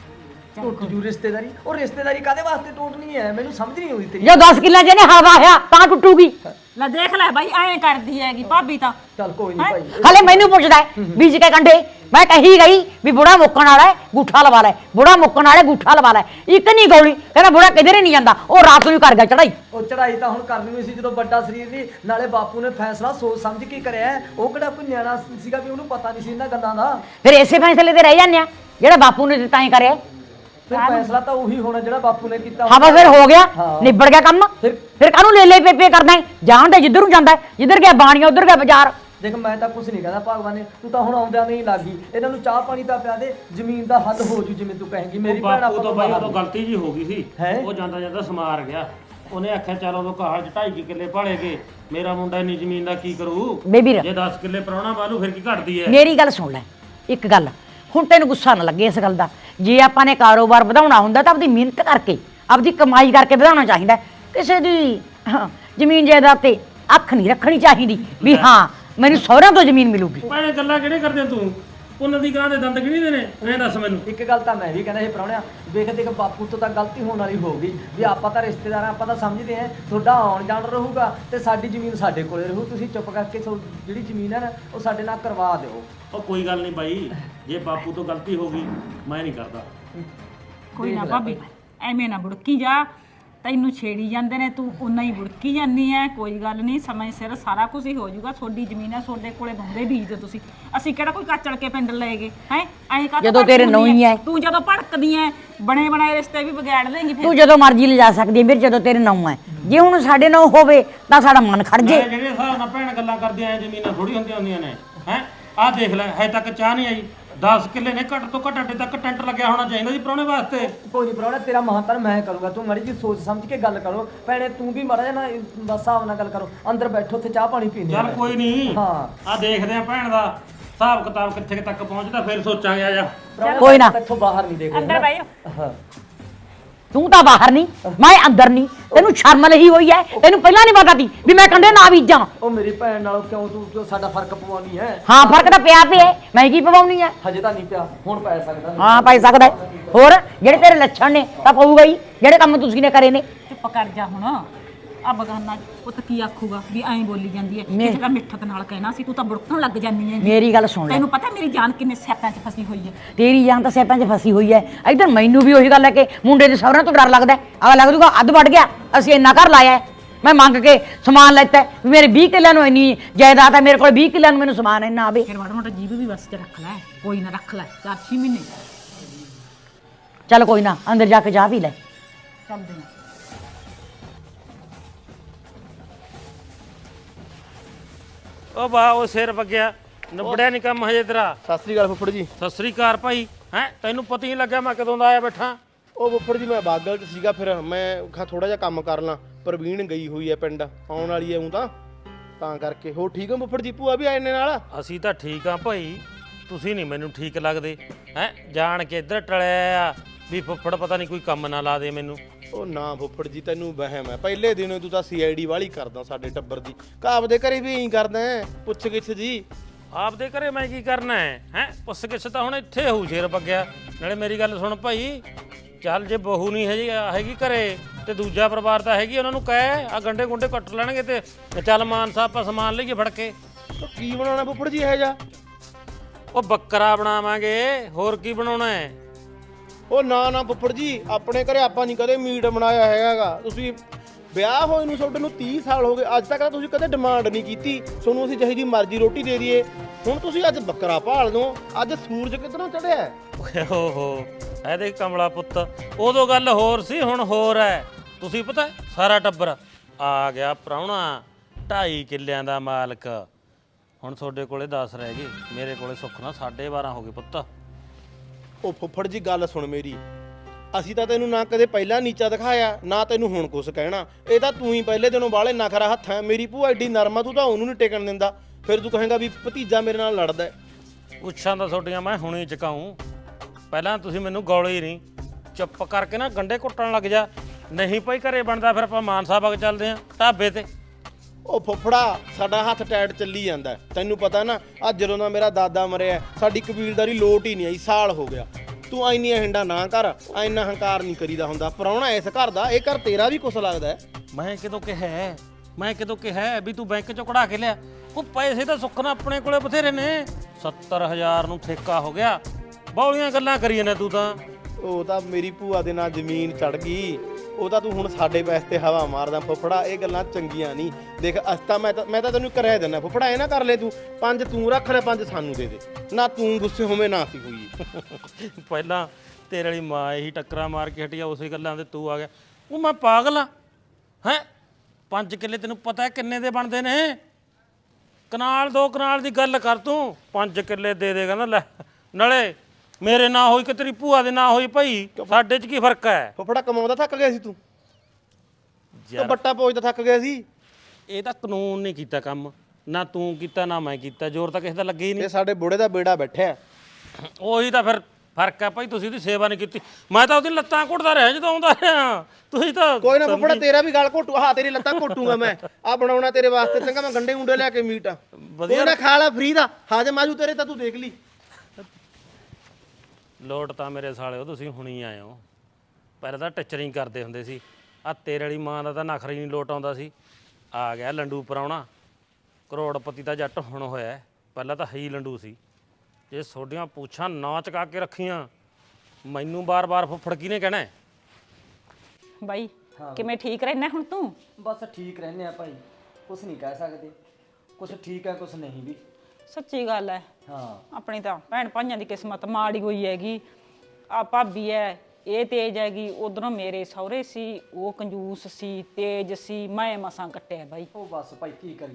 S2: ਟੁੱਟ ਜੂ ਰਿਸ਼ਤੇਦਾਰੀ? ਉਹ ਰਿਸ਼ਤੇਦਾਰੀ ਕਾਦੇ ਵਾਸਤੇ ਟੁੱਟਣੀ ਹੈ? ਮੈਨੂੰ ਸਮਝ ਨਹੀਂ ਆਉਂਦੀ ਤੇਰੀ।
S1: ਜੇ ਦਸ ਕਿੱਲਿਆਂ ਜਿਹਨੇ ਹਲ ਵਾਹਿਆ ਤਾਂ ਟੁੱਟੂਗੀ।
S3: ਲੈ ਦੇਖ ਲੈ ਬਾਈ ਐਂ ਕਰਦੀ ਹੈਗੀ ਭਾਬੀ ਤਾਂ।
S2: ਚੱਲ ਕੋਈ ਨਹੀਂ ਭਾਈ।
S1: ਹਲੇ ਮੈਨੂੰ ਪੁੱਛਦਾ ਹੈ ਬੀਜ ਕੇ ਕੰਡੇ। ਮੈਂ ਕਹੀ ਗਈ ਵੀ ਬੁੜਾ ਮੁੱਕਣ ਵਾਲਾ ਹੈ, ਗੂਠਾ ਲਵਾ ਲੈ। ਬੁੜਾ ਮੁੱਕਣ ਵਾਲਾ ਗੂਠਾ ਲਵਾ ਲੈ। ਇੱਕ ਨਹੀਂ ਗੋਲੀ ਕਹਿੰਦਾ ਬੁੜਾ ਕਿਧਰੇ ਨਹੀਂ ਜਾਂਦਾ। ਉਹ ਰਾਤ ਨੂੰ ਹੀ ਕਰ ਗਿਆ ਚੜਾਈ।
S2: ਉਹ ਚੜਾਈ ਤਾਂ ਹੁਣ ਕਰਨੀ ਹੋਈ ਸੀ ਜਦੋਂ ਵੱਡਾ ਸਰੀਰ ਸੀ। ਨਾਲੇ ਬਾਪੂ ਨੇ ਫੈਸਲਾ ਸੋਚ ਸਮਝ ਕੇ ਕਰਿਆ ਹੈ। ਉਹ ਕਿਹੜਾ ਕੋਈ ਨਿਆਣਾ ਸੀਗਾ ਵੀ ਉਹਨੂੰ ਪਤਾ ਨਹੀਂ ਸੀ ਇਹਨਾਂ ਗੱਲਾਂ ਦਾ।
S1: ਫਿਰ ਇਸੇ ਫੈਸਲੇ ਤੇ ਰਹਿ ਜਾਂਦੇ ਆ ਜਿਹੜਾ ਬਾਪੂ ਨੇ ਤਾਂ ਹੀ ਕਰਿਆ।
S2: ਫਿਰ ਫੈਸਲਾ ਤਾਂ ਉਹੀ ਹੋਣਾ ਜਿਹੜਾ ਬਾਪੂ ਨੇ ਕੀਤਾ।
S1: ਹਾਂ ਬਸ ਫਿਰ ਹੋ ਗਿਆ,
S2: ਹਾਂ।
S1: ਨਿਬੜ ਗਿਆ ਕੰਮ।
S2: ਫਿਰ-
S1: ਫਿਰ ਕਾਹਨੂੰ ਲੈ ਲੈ ਪੇਪੇ ਕਰਦਾ ਹੈ? ਜਾਣ ਦੇ ਜਿੱਧਰ ਨੂੰ ਜਾਂਦਾ ਹੈ, ਜਿੱਧਰ ਗਿਆ ਬਾਣੀਆਂ ਉਧਰ ਗਿਆ ਬਾਜ਼ਾਰ।
S2: ਦੇਖ ਮੈਂ ਤਾਂ ਕੁਝ ਨਹੀਂ ਕਹਿੰਦਾ ਭਗਵਾਨ ਨੇ, ਤੂੰ ਤਾਂ ਹੁਣ ਆਉਂਦਿਆਂ ਨਹੀਂ ਲੱਗੀ। ਇਹਨਾਂ ਨੂੰ ਚਾਹ ਪਾਣੀ ਤਾਂ ਪਿਆ ਦੇ, ਜ਼ਮੀਨ ਦਾ ਹੱਲ ਹੋ ਜੂ ਜਿਵੇਂ ਤੂੰ ਕਹੇਂਗੀ। ਮੇਰੀ ਭੈਣ
S4: ਬਾਪੂ
S2: ਆਪਾਂ
S4: ਤੋਂ
S2: ਨੂੰ
S4: ਬਾਈ
S2: ਬਾਹਰ
S4: ਉਦੋਂ ਗਲਤੀ ਜੀ ਹੋ ਗਈ ਸੀ।
S2: ਹੈਂ?
S4: ਉਹ ਜਾਂਦਾ ਜਾਂਦਾ ਸਮਾਰ ਗਿਆ। ਉਹਨੇ ਆਖਿਆ ਚੱਲ ਉਦੋਂ ਕਹਾਲ ਚ ਢਾਈ ਕੁ ਕਿੱਲੇ ਭਾਲੇਗੇ, ਮੇਰਾ ਮੁੰਡਾ ਇੰਨੀ ਜ਼ਮੀਨ ਦਾ ਕੀ ਕਰੂ।
S1: ਬੇਬੀ
S4: ਜੇ ਦਸ ਕਿੱਲੇ ਪ੍ਰਾਹੁਣਾ ਬਾਲੂ ਫਿਰ ਕੀ ਘਟਦੀ ਹੈ।
S1: ਮੇਰੀ ਗੱਲ ਸੁਣ ਲੈ ਇੱਕ ਗੱਲ, ਹੁਣ ਤੈਨੂੰ ਗੁੱਸਾ ਨਾ ਲੱਗੇ ਇਸ ਗੱਲ ਦਾ। ਜੇ ਆਪਾਂ ਨੇ ਕਾਰੋਬਾਰ ਵਧਾਉਣਾ ਹੁੰਦਾ ਤਾਂ ਆਪਦੀ ਮਿਹਨਤ ਕਰਕੇ ਆਪਦੀ ਕਮਾਈ ਕਰਕੇ ਵਧਾਉਣਾ ਚਾਹੀਦਾ। ਕਿਸੇ ਦੀ ਹਾਂ, ਜ਼ਮੀਨ ਜਾਇਦਾਦ ਤੇ ਅੱਖ ਨਹੀਂ ਰੱਖਣੀ ਚਾਹੀਦੀ ਵੀ ਹਾਂ ਮੈਨੂੰ ਸਹੁਰਿਆਂ ਤੋਂ ਜ਼ਮੀਨ ਮਿਲੂਗੀ।
S4: ਭੈਣੇ ਗੱਲਾਂ ਕਿਹੜੇ ਕਰਦੇ ਤੂੰ? ਉਹਨਾਂ ਦੀ ਗਾਂ ਦੇ ਦੰਦ ਗਿਣੀਦੇ ਨੇ? ਐਂ ਦੱਸ ਮੈਨੂੰ।
S2: ਇੱਕ ਗੱਲ ਤਾਂ ਮੈਂ ਵੀ ਕਹਿੰਦਾ ਸੀ ਪ੍ਰਾਹੁਣਿਆ, ਵੇਖ ਦੇਖ ਬਾਪੂ ਤੋਂ ਤਾਂ ਗਲਤੀ ਹੋਣ ਵਾਲੀ ਹੋ ਗਈ ਵੀ ਆਪਾਂ ਤਾਂ ਰਿਸ਼ਤੇਦਾਰ ਆ, ਆਪਾਂ ਤਾਂ ਸਮਝਦੇ ਆਂ ਤੁਹਾਡਾ ਆਉਣ ਜਾਣ ਰਹੂਗਾ ਤੇ ਸਾਡੀ ਜ਼ਮੀਨ ਸਾਡੇ ਕੋਲੇ ਰਹੂ। ਤੁਸੀਂ ਚੁੱਪ ਕਰਕੇ ਸੋ ਜਿਹੜੀ ਜ਼ਮੀਨ ਹੈ ਨਾ ਉਹ ਸਾਡੇ ਨਾਲ ਕਰਵਾ ਦਿਓ।
S4: ਉਹ ਕੋਈ ਗੱਲ ਨਹੀਂ ਬਾਈ, ਜੇ ਬਾਪੂ ਤੋਂ ਗਲਤੀ ਹੋ ਗਈ ਮੈਂ ਨਹੀਂ ਕਰਦਾ।
S3: ਕੋਈ ਨਾ ਭਾਬੀ ਐਵੇਂ ਨਾ ਬੁੜਕੀ ਜਾ। ਤੈਨੂੰ ਛੇੜੀ ਜਾਂਦੇ ਨੇ, ਤੂੰ ਉਨਾ ਹੀ ਬੁੜਕੀ ਜਾਂਦੀ ਐ। ਕੋਈ ਗੱਲ ਨਹੀਂ, ਸਮੇਂ ਸਿਰ ਸਾਰਾ ਕੁਝ ਹੀ ਹੋ ਜਾਊਗਾ। ਤੁਹਾਡੀ ਜ਼ਮੀਨ ਹੈ, ਤੁਹਾਡੇ ਕੋਲੇ ਬੰਦੇ ਬੀਜਦੇ ਤੁਸੀਂ। ਅਸੀਂ ਕਿਹੜਾ ਕੋਈ ਕਾਚਲ ਕੇ ਪਿੰਡ ਲਏ ਗਏ ਹੈ? ਐਂ ਕਾ
S1: ਜਦੋਂ ਤੇਰੇ ਨੌਂ ਹੀ ਐ।
S3: ਤੂੰ ਜਦੋਂ ਭੜਕਦੀ ਐ ਬਣੇ ਬਣਾਏ ਰਿਸ਼ਤੇ ਵੀ ਵਿਗਾੜ ਦੇਂਗੀ ਫਿਰ।
S1: ਤੂੰ ਜਦੋਂ ਮਰਜ਼ੀ ਲਿਜਾ ਸਕਦੀ ਹੈ ਵੀਰ, ਜਦੋਂ ਤੇਰੇ ਨਾਂ ਹੈ। ਜੇ ਹੁਣ ਸਾਡੇ ਨਾਂ ਹੋਵੇ ਤਾਂ ਸਾਡਾ ਮਨ ਖੜ ਜੇ।
S4: ਜਿਹੜੇ ਹਿਸਾਬ ਨਾਲ ਭੈਣ ਗੱਲਾਂ ਕਰਦੀਆਂ ਐ ਜ਼ਮੀਨਾਂ ਥੋੜੀ ਹੁੰਦੀਆਂ ਹੁੰਦੀਆਂ ਨੇ। ਹੈ ਆਹ ਦੇਖ ਲੈ, ਹਜੇ ਤੱਕ ਚਾਹ ਨਹੀਂ ਆਈ। ਦਸ ਕਿੱਲੇ ਨੇ ਘੱਟ ਤੋਂ ਘੱਟ ਅੱਡੇ ਤੱਕ ਟੈਂਟ ਲੱਗਿਆ ਹੋਣਾ ਚਾਹੀਦਾ ਜੀ ਪ੍ਰਾਹੁਣੇ ਵਾਸਤੇ।
S2: ਕੋਈ ਨਹੀਂ ਪ੍ਰਾਹੁਣਾ, ਤੇਰਾ ਮਹਾਂਤਨ ਮੈਂ ਕਰੂੰਗਾ, ਤੂੰ ਮਾੜੀ ਜੀ ਸੋਚ ਸਮਝ ਕੇ ਗੱਲ ਕਰੋ। ਭੈਣੇ ਤੂੰ ਵੀ ਮਾੜਾ ਜਿਹਾ ਨਾ ਬਸ ਹਿਸਾਬ ਨਾਲ ਗੱਲ ਕਰੋ। ਅੰਦਰ ਬੈਠੋ ਤੇ ਚਾਹ ਪਾਣੀ ਪੀਂਦੇ
S4: ਚੱਲ ਕੋਈ ਨਹੀਂ,
S2: ਹਾਂ।
S4: ਆ ਦੇਖਦੇ ਆ ਭੈਣ ਦਾ ਹਿਸਾਬ ਕਿਤਾਬ ਕਿੱਥੇ ਕੁ ਤੱਕ ਪਹੁੰਚਦਾ, ਫਿਰ ਸੋਚਾਂਗੇ। ਆ ਜਾ
S2: ਪ੍ਰਾਹੁਣਾ,
S1: ਕੋਈ ਨਾ।
S2: ਇੱਥੋਂ ਬਾਹਰ ਨਹੀਂ ਦੇਖਦੇ
S3: ਅੰਦਰ ਬਹਿ
S2: ਹਾਂ।
S1: ਤੂੰ ਤਾਂ ਬਾਹਰ ਨਹੀਂ, ਮੈਂ ਅੰਦਰ ਨਹੀਂ। ਤੈਨੂੰ ਸ਼ਰਮ ਲਈ ਹੋਈ ਐ? ਤੈਨੂੰ ਪਹਿਲਾਂ ਨਹੀਂ ਪਤਾ ਸੀ ਵੀ ਮੈਂ ਕੰਡੇ ਨਾ ਬੀਜਾਂ?
S2: ਉਹ ਮੇਰੀ ਭੈਣ ਨਾਲੋਂ ਕਿਉਂ ਤੂੰ ਕਿਉਂ ਸਾਡਾ ਫਰਕ ਪਵਾਉਣੀ ਹੈ?
S1: ਹਾਂ ਫਰਕ ਤਾਂ ਪਿਆ ਪਿਆ, ਮੈਂ ਕੀ ਪਵਾਉਣੀ ਐ?
S2: ਹਜੇ ਤਾਂ ਨਹੀਂ ਪਿਆ, ਹੁਣ ਪੈ ਸਕਦਾ।
S1: ਹਾਂ ਪਾਈ ਸਕਦਾ ਹੈ। ਹੋਰ ਜਿਹੜੇ ਤੇਰੇ ਲੱਛਣ ਨੇ ਤਾਂ ਪਊਗਾ ਹੀ, ਜਿਹੜੇ ਕੰਮ ਤੁਸੀਂ ਨੇ ਕਰੇ ਨੇ।
S3: ਚੁੱਪ ਕਰ ਜਾ ਹੁਣ। ਆ ਬਗਾਨਾ ਪੁੱਤ ਕੀ ਆਖੂਗਾ ਵੀ ਐਂ ਬੋਲੀ ਜਾਂਦੀ ਹੈ,
S1: ਮੈਂ-
S3: ਕਿਸੇ ਦਾ ਮਿੱਠਤ ਨਾਲ ਕਹਿਣਾ ਸੀ, ਤੂੰ ਤਾਂ ਬੁੜਕਣ ਲੱਗ ਜਾਂਦੀ ਹੈ।
S1: ਮੇਰੀ ਗੱਲ ਸੁਣ ਲੈ,
S3: ਤੈਨੂੰ ਪਤਾ ਮੇਰੀ ਜਾਨ ਕਿੰਨੇ ਸਿਆਪਾਂ 'ਚ ਫਸੀ ਹੋਈ ਹੈ।
S1: ਤੇਰੀ ਜਾਨ ਤਾਂ ਸੈਪਾਂ 'ਚ ਫਸੀ ਹੋਈ ਐ। ਇੱਧਰ ਮੈਨੂੰ ਵੀ ਉਹੀ ਗੱਲ ਹੈ ਕਿ ਮੁੰਡੇ ਦੇ ਸਹੁਰਿਆਂ ਤੋਂ ਡਰ ਲੱਗਦਾ। ਆ ਲੱਗ ਜੂਗਾ ਅੱਧ ਵੜ ਗਿਆ, ਅਸੀਂ ਇੰਨਾ ਘਰ ਲਾਇਆ ਹੈ। ਮੈਂ ਮੰਗ ਕੇ ਸਮਾਨ ਲੈਤਾ ਹੈ ਵੀ ਮੇਰੇ ਵੀਹ ਕਿੱਲਿਆਂ ਨੂੰ ਇੰਨੀ ਜਾਇਦਾਦ ਹੈ, ਮੇਰੇ ਕੋਲ ਵੀਹ ਕਿੱਲਿਆਂ ਨੂੰ ਮੈਨੂੰ ਸਮਾਨ ਇੰਨਾ ਆਵੇ।
S3: ਫਿਰ ਮਾੜਾ ਮੋਟਾ ਜੀਭ ਵੀ ਬਸ 'ਚ ਰੱਖ ਲੈ, ਕੋਈ ਨਾ ਰੱਖ ਲੈ, ਚਾਰ ਛੇ ਮਹੀਨੇ
S1: ਚੱਲ ਕੋਈ ਨਾ, ਅੰਦਰ ਜਾ ਕੇ ਚਾਹ ਪੀ ਲੈ।
S3: ਚੱਲਦੇ ਨੇ।
S4: ਉਹ ਵਾਹ, ਉਹ ਸਿਰ ਵਗਿਆ, ਨਿਬੜਿਆ ਨਹੀਂ ਕੰਮ ਹਜੇ ਤੇਰਾ।
S5: ਸਤਿ ਸ੍ਰੀ ਅਕਾਲ ਫੁੱਫੜ ਜੀ।
S4: ਸਤਿ ਸ੍ਰੀ ਅਕਾਲ ਭਾਈ। ਹੈ ਤੈਨੂੰ ਪਤਾ ਹੀ ਨਹੀਂ ਲੱਗਿਆ ਮੈਂ ਕਦੋਂ ਦਾ ਆਇਆ ਬੈਠਾ।
S5: ਉਹ ਫੁੱਫੜ ਜੀ ਮੈਂ ਬਾਗਲ 'ਚ ਸੀਗਾ, ਫਿਰ ਮੈਂ ਖਾ ਥੋੜਾ ਜਿਹਾ ਕੰਮ ਕਰ ਲਾਂ। ਪ੍ਰਵੀਨ ਗਈ ਹੋਈ ਹੈ ਪਿੰਡ, ਆਉਣ ਵਾਲੀ ਹੈ ਉਹ ਤਾਂ ਤਾਂ ਕਰਕੇ। ਹੋ ਠੀਕ ਹੋ ਫੁੱਫੜ ਜੀ? ਭੂਆ ਵੀ ਆਏ ਨੇ ਨਾਲ?
S4: ਅਸੀਂ ਤਾਂ ਠੀਕ ਆ ਭਾਈ, ਤੁਸੀਂ ਨਹੀਂ ਮੈਨੂੰ ਠੀਕ ਲੱਗਦੇ। ਹੈ ਜਾਣ ਕੇ ਇੱਧਰ ਟਲਿਆ ਆ ਵੀ ਫੁੱਫੜ ਪਤਾ ਨਹੀਂ ਕੋਈ ਕੰਮ ਨਾ ਲਾ ਦੇ ਮੈਨੂੰ।
S5: ਉਹ ਨਾ ਫੁੱਫੜ ਜੀ, ਤੈਨੂੰ ਵਹਿਮ ਹੈ। ਪਹਿਲੇ ਦਿਨੋਂ ਤੂੰ ਤਾਂ ਸੀ ਆਈ ਡੀ ਵਾਲੀ ਕਰਦਾ ਸਾਡੇ ਟੱਬਰ ਦੀ। ਕਾਬ ਦੇ ਘਰੇ ਵੀ ਇਹੀ ਕਰਦਾ ਹੈ, ਪੁੱਛ ਗਿੱਛ ਜੀ।
S4: ਆਪਦੇ ਘਰੇ ਮੈਂ ਕੀ ਕਰਨਾ ਹੈ? ਹੈ ਪੁੱਛ ਕਿਛ ਤਾਂ ਹੁਣ ਇੱਥੇ ਹੋਊ ਸ਼ੇਰ ਪੱਗਿਆ। ਨਾਲੇ ਮੇਰੀ ਗੱਲ ਸੁਣ ਭਾਈ, ਚੱਲ ਜੇ ਬਹੂ ਨਹੀਂ ਹੈਗੀ ਹੈਗੀ ਘਰੇ ਤੇ ਦੂਜਾ ਪਰਿਵਾਰ ਤਾਂ ਹੈਗੀ, ਉਹਨਾਂ ਨੂੰ ਕਹਿ ਆ ਗੰਡੇ ਗੁੰਡੇ ਕੱਟ ਲੈਣਗੇ ਤੇ ਚੱਲ ਮਾਨ ਸਾਹਿਬ ਆਪਾਂ ਸਮਾਨ ਲਈਏ ਫੜ ਕੇ।
S5: ਉਹ ਕੀ ਬਣਾਉਣਾ ਫੁੱਫੜ ਜੀ ਇਹ ਜਾ?
S4: ਉਹ ਬੱਕਰਾ ਬਣਾਵਾਂਗੇ, ਹੋਰ ਕੀ ਬਣਾਉਣਾ ਹੈ?
S5: ਉਹ ਨਾ ਨਾ ਫੁੱਫੜ ਜੀ, ਆਪਣੇ ਘਰੇ ਆਪਾਂ ਨਹੀਂ ਕਦੇ ਮੀਟ ਬਣਾਇਆ ਹੈਗਾਗਾ। ਤੁਸੀਂ ਵਿਆਹ ਹੋਏ ਨੂੰ ਤੁਹਾਡੇ ਨੂੰ ਤੀਹ ਸਾਲ ਹੋ ਗਏ, ਅੱਜ ਤੱਕ ਤਾਂ ਤੁਸੀਂ ਕਦੇ ਡਿਮਾਂਡ ਨਹੀਂ ਕੀਤੀ ਤੁਹਾਨੂੰ ਅਸੀਂ ਜਿਹੀ ਜੀ ਮਰਜ਼ੀ ਰੋਟੀ ਦੇ ਦਈਏ। ਹੁਣ ਤੁਸੀਂ ਅੱਜ ਬੱਕਰਾ ਭਾਲ ਦੋ, ਅੱਜ ਸੂਰਜ ਕਿੱਧਰੋਂ ਚੜਿਆ?
S4: ਓਏ ਹੋ ਹੋ, ਇਹਦੇ ਕਮਲਾ ਪੁੱਤ, ਉਦੋਂ ਗੱਲ ਹੋਰ ਸੀ, ਹੁਣ ਹੋਰ ਹੈ। ਤੁਸੀਂ ਪਤਾ ਸਾਰਾ ਟੱਬਰ ਆ ਗਿਆ ਪ੍ਰਾਹੁਣਾ, ਢਾਈ ਕਿੱਲਿਆਂ ਦਾ ਮਾਲਕ। ਹੁਣ ਤੁਹਾਡੇ ਕੋਲੇ ਦਸ ਰਹਿ ਗਏ, ਮੇਰੇ ਕੋਲੇ ਸੁੱਖ ਨਾਲ ਸਾਢੇ ਬਾਰਾਂ ਹੋ ਗਏ ਪੁੱਤ।
S5: ਉਹ ਫੁੱਫੜ ਜੀ ਗੱਲ ਸੁਣ ਮੇਰੀ, ਅਸੀਂ ਤਾਂ ਤੈਨੂੰ ਨਾ ਕਦੇ ਪਹਿਲਾਂ ਨੀਚਾ ਦਿਖਾਇਆ, ਨਾ ਤੈਨੂੰ ਹੁਣ ਕੁਛ ਕਹਿਣਾ। ਇਹ ਤਾਂ ਤੂੰ ਹੀ ਪਹਿਲੇ ਦਿਨੋਂ ਬਾਹਲੇ ਨਖਰਾ ਹੱਥ ਹੈ। ਮੇਰੀ ਭੂਆ ਐਡੀ ਨਰਮ ਆ, ਤੂੰ ਤਾਂ ਉਹਨੂੰ ਨਹੀਂ ਟਿਕਣ ਦਿੰਦਾ। ਫਿਰ ਤੂੰ ਕਹੇਗਾ ਵੀ ਭਤੀਜਾ ਮੇਰੇ ਨਾਲ ਲੜਦਾ ਹੈ।
S4: ਪੁੱਛਾਂ ਤਾਂ ਤੁਹਾਡੀਆਂ ਮੈਂ ਹੁਣੇ ਚਕਾਊਂ, ਪਹਿਲਾਂ ਤੁਸੀਂ ਮੈਨੂੰ ਗੋਲੇ ਹੀ ਨਹੀਂ। ਚੁੱਪ ਕਰਕੇ ਨਾ ਗੰਡੇ ਕੁੱਟਣ ਲੱਗ ਜਾ। ਨਹੀਂ ਭਾਈ ਘਰੇ ਬਣਦਾ, ਫਿਰ ਆਪਾਂ ਮਾਨ ਸਾਹਿਬ ਅੱਗੇ ਚੱਲਦੇ ਆਂ ਢਾਬੇ ਤੇ।
S5: ਉਹ ਫੁੱਫੜਾ, ਸਾਡਾ ਹੱਥ ਟੈਟ ਚੱਲੀ ਜਾਂਦਾ ਹੈ। ਤੈਨੂੰ ਪਤਾ ਨਾ, ਅੱਜ ਜਦੋਂ ਦਾ ਮੇਰਾ ਦਾਦਾ ਮਰਿਆ ਸਾਡੀ ਕਬੀਲਦਾਰੀ ਲੋਟ ਹੀ ਨਹੀਂ ਆਈ, ਸਾਲ ਹੋ ਗਿਆ। ਤੂੰ ਇੰਨੀਆਂ ਹਿੰਡਾ ਨਾ ਕਰ, ਇੰਨਾ ਹੰਕਾਰ ਨਹੀਂ ਕਰੀਦਾ ਹੁੰਦਾ। ਪ੍ਰਾਹੁਣਾ ਇਸ ਘਰ ਦਾ, ਇਹ ਘਰ ਤੇਰਾ ਵੀ ਕੁਛ ਲੱਗਦਾ ਹੈ।
S4: ਮੈਂ ਕਿਦੋਂ ਕਿਹਾ ਮੈਂ ਕਿਦੋਂ ਕਿਹਾ ਵੀ ਤੂੰ ਬੈਂਕ ਚੋਂ ਕਢਾ ਕੇ ਲਿਆ? ਉਹ ਪੈਸੇ ਤਾਂ ਸੁੱਖ ਨਾਲ ਆਪਣੇ ਕੋਲੇ ਬਥੇਰੇ ਨੇ। ਸੱਤਰ ਹਜ਼ਾਰ ਨੂੰ ਠੇਕਾ ਹੋ ਗਿਆ, ਬੌਲੀਆਂ ਗੱਲਾਂ ਕਰੀਏ ਨੇ ਤੂੰ ਤਾਂ।
S5: ਉਹ ਤਾਂ ਮੇਰੀ ਭੂਆ ਦੇ ਨਾਲ ਜ਼ਮੀਨ ਚੜ ਗਈ, ਉਹ ਤਾਂ ਤੂੰ ਹੁਣ ਸਾਡੇ ਪੈਸੇ ਤੇ ਹਵਾ ਮਾਰਦਾ ਫੁੱਫੜਾ। ਇਹ ਗੱਲਾਂ ਚੰਗੀਆਂ ਨਹੀਂ। ਦੇਖ ਅਸ ਤਾਂ ਮੈਂ ਤਾਂ ਮੈਂ ਤਾਂ ਤੈਨੂੰ ਕਰਿਆ ਦਿੰਦਾ ਫੁੱਫੜਾ, ਇਹ ਨਾ ਕਰ ਲੈ ਤੂੰ। ਪੰਜ ਤੂੰ ਰੱਖ ਲੈ, ਪੰਜ ਸਾਨੂੰ ਦੇ ਦੇ। ਨਾ ਤੂੰ ਗੁੱਸੇ ਹੋਵੇਂ ਨਾ ਅਸੀਂ ਹੋਈਏ।
S4: ਪਹਿਲਾਂ ਤੇਰੇ ਵਾਲੀ ਮਾਂ ਇਹੀ ਟੱਕਰਾਂ ਮਾਰ ਕੇ ਹਟਿਆ, ਉਸੇ ਗੱਲਾਂ ਤੇ ਤੂੰ ਆ ਗਿਆ। ਉਹ ਮੈਂ ਪਾਗਲ ਆ ਹੈ? ਪੰਜ ਕਿੱਲੇ ਤੈਨੂੰ ਪਤਾ ਹੈ ਕਿੰਨੇ ਦੇ ਬਣਦੇ ਨੇ? ਕਨਾਲ ਦੋ ਕਨਾਲ ਦੀ ਗੱਲ ਕਰ ਤੂੰ, ਪੰਜ ਕਿੱਲੇ ਦੇ ਦੇ ਕਹਿੰਦਾ ਲੈ। ਨਾਲੇ ਮੇਰੇ ਨਾਂ ਹੋਈ ਕਿ ਤੇਰੀ ਭੂਆ ਦੇ ਨਾਂ ਹੋਈ ਭਾਈ, ਸਾਡੇ 'ਚ ਕੀ ਫਰਕ ਹੈ?
S5: ਫੁੱਫੜਾ ਕਮਾਉਂਦਾ ਥੱਕ ਗਿਆ ਸੀ ਤੂੰ? ਤੇ ਬੱਟਾ ਪੋਜਦਾ ਥੱਕ ਗਿਆ ਸੀ?
S4: ਇਹ ਤਾਂ ਕਾਨੂੰਨ ਨਹੀਂ ਕੀਤਾ ਕੰਮ, ਨਾ ਤੂੰ ਕੀਤਾ ਨਾ ਮੈਂ ਕੀਤਾ, ਜ਼ੋਰ ਤਾਂ ਕਿਸੇ ਦਾ ਲੱਗੇ ਹੀ ਨਹੀਂ।
S5: ਇਹ ਸਾਡੇ ਬੁੜੇ ਦਾ ਬੇੜਾ ਬੈਠਿਆ।
S4: ਉਹੀ ਤਾਂ ਫਿਰ ਫਰਕ ਹੈ ਭਾਈ, ਤੁਸੀਂ ਉਹਦੀ ਸੇਵਾ ਨਹੀਂ ਕੀਤੀ। ਮੈਂ ਤਾਂ ਉਹਦੀ ਲੱਤਾਂ ਘੁੱਟਦਾ ਰਿਹਾ ਜਦੋਂ ਆਉਂਦਾ ਰਿਹਾ। ਤੁਸੀਂ ਤਾਂ
S5: ਕੋਈ ਨਾ ਫੁੱਫੜਾ, ਤੇਰਾ ਵੀ ਗਲ ਘੋਟੂ। ਹਾਂ ਤੇਰੀ ਲੱਤਾਂ ਘੋਟੂਗਾ ਮੈਂ। ਆ ਬਣਾਉਣਾ ਤੇਰੇ ਵਾਸਤੇ ਚੰਗਾ, ਮੈਂ ਗੰਡੇ ਗੁੰਡੇ ਲਿਆ ਕੇ ਮੀਟ ਆ ਵਧੀਆ ਨਾ ਖਾ ਲੈ ਫਰੀ ਦਾ। ਹਾਜ਼ਮ ਆਜੂ ਤੇਰੇ, ਤਾਂ ਤੂੰ ਦੇਖ ਲਈ।
S4: ਲੋਟ ਤਾਂ ਮੇਰੇ ਸਾਲਿਓ ਤੁਸੀਂ ਹੁਣੀ ਆਏ ਹੋ, ਪਹਿਲਾਂ ਤਾਂ ਟੱਚਰਿੰਗ ਕਰਦੇ ਹੁੰਦੇ ਸੀ। ਆ ਤੇਰੇ ਵਾਲੀ ਮਾਂ ਦਾ ਤਾਂ ਨਖਰੀ ਨਹੀਂ ਲੋਟ ਆਉਂਦਾ ਸੀ। ਆ ਗਿਆ ਲੰਡੂ ਪ੍ਰਾਹੁਣਾ, ਕਰੋੜਪਤੀ ਦਾ ਜੱਟ ਹੁਣ ਹੋਇਆ, ਪਹਿਲਾਂ ਤਾਂ ਹੀ ਲੰਡੂ ਸੀ। ਜੇ ਤੁਹਾਡੀਆਂ ਪੂਛਾਂ ਨਾ ਚਕਾ ਕੇ ਰੱਖੀਆਂ, ਮੈਨੂੰ ਬਾਰ-ਬਾਰ ਫੁੱਫੜ ਕਿਹਨੇ ਕਹਿਣਾ?
S3: ਬਾਈ ਕਿਵੇਂ ਠੀਕ ਰਹਿਣਾ ਹੁਣ ਤੂੰ?
S2: ਬਸ ਠੀਕ ਰਹਿੰਦੇ ਆ ਭਾਈ, ਕੁਛ ਨਹੀਂ ਕਹਿ ਸਕਦੇ। ਕੁਛ ਠੀਕ ਹੈ, ਕੁਛ ਨਹੀਂ ਵੀ।
S3: ਸੱਚੀ ਗੱਲ ਹੈ।
S2: ਹਾਂ,
S3: ਆਪਣੀ ਤਾਂ ਭੈਣ ਭਾਈਆਂ ਦੀ ਕਿਸਮਤ ਮਾੜੀ ਹੋਈ ਹੈਗੀ। ਆ ਭਾਬੀ ਹੈ, ਇਹ ਤੇਜ ਹੈਗੀ। ਉਧਰੋਂ ਮੇਰੇ ਸਹੁਰੇ ਸੀ, ਉਹ ਕੰਜੂਸ ਸੀ, ਤੇਜ ਸੀ। ਮੈਂ ਮਸਾਂ ਕੱਟਿਆ ਬਾਈ।
S2: ਉਹ ਬਸ ਭਾਈ ਕੀ ਕਰੀਏ,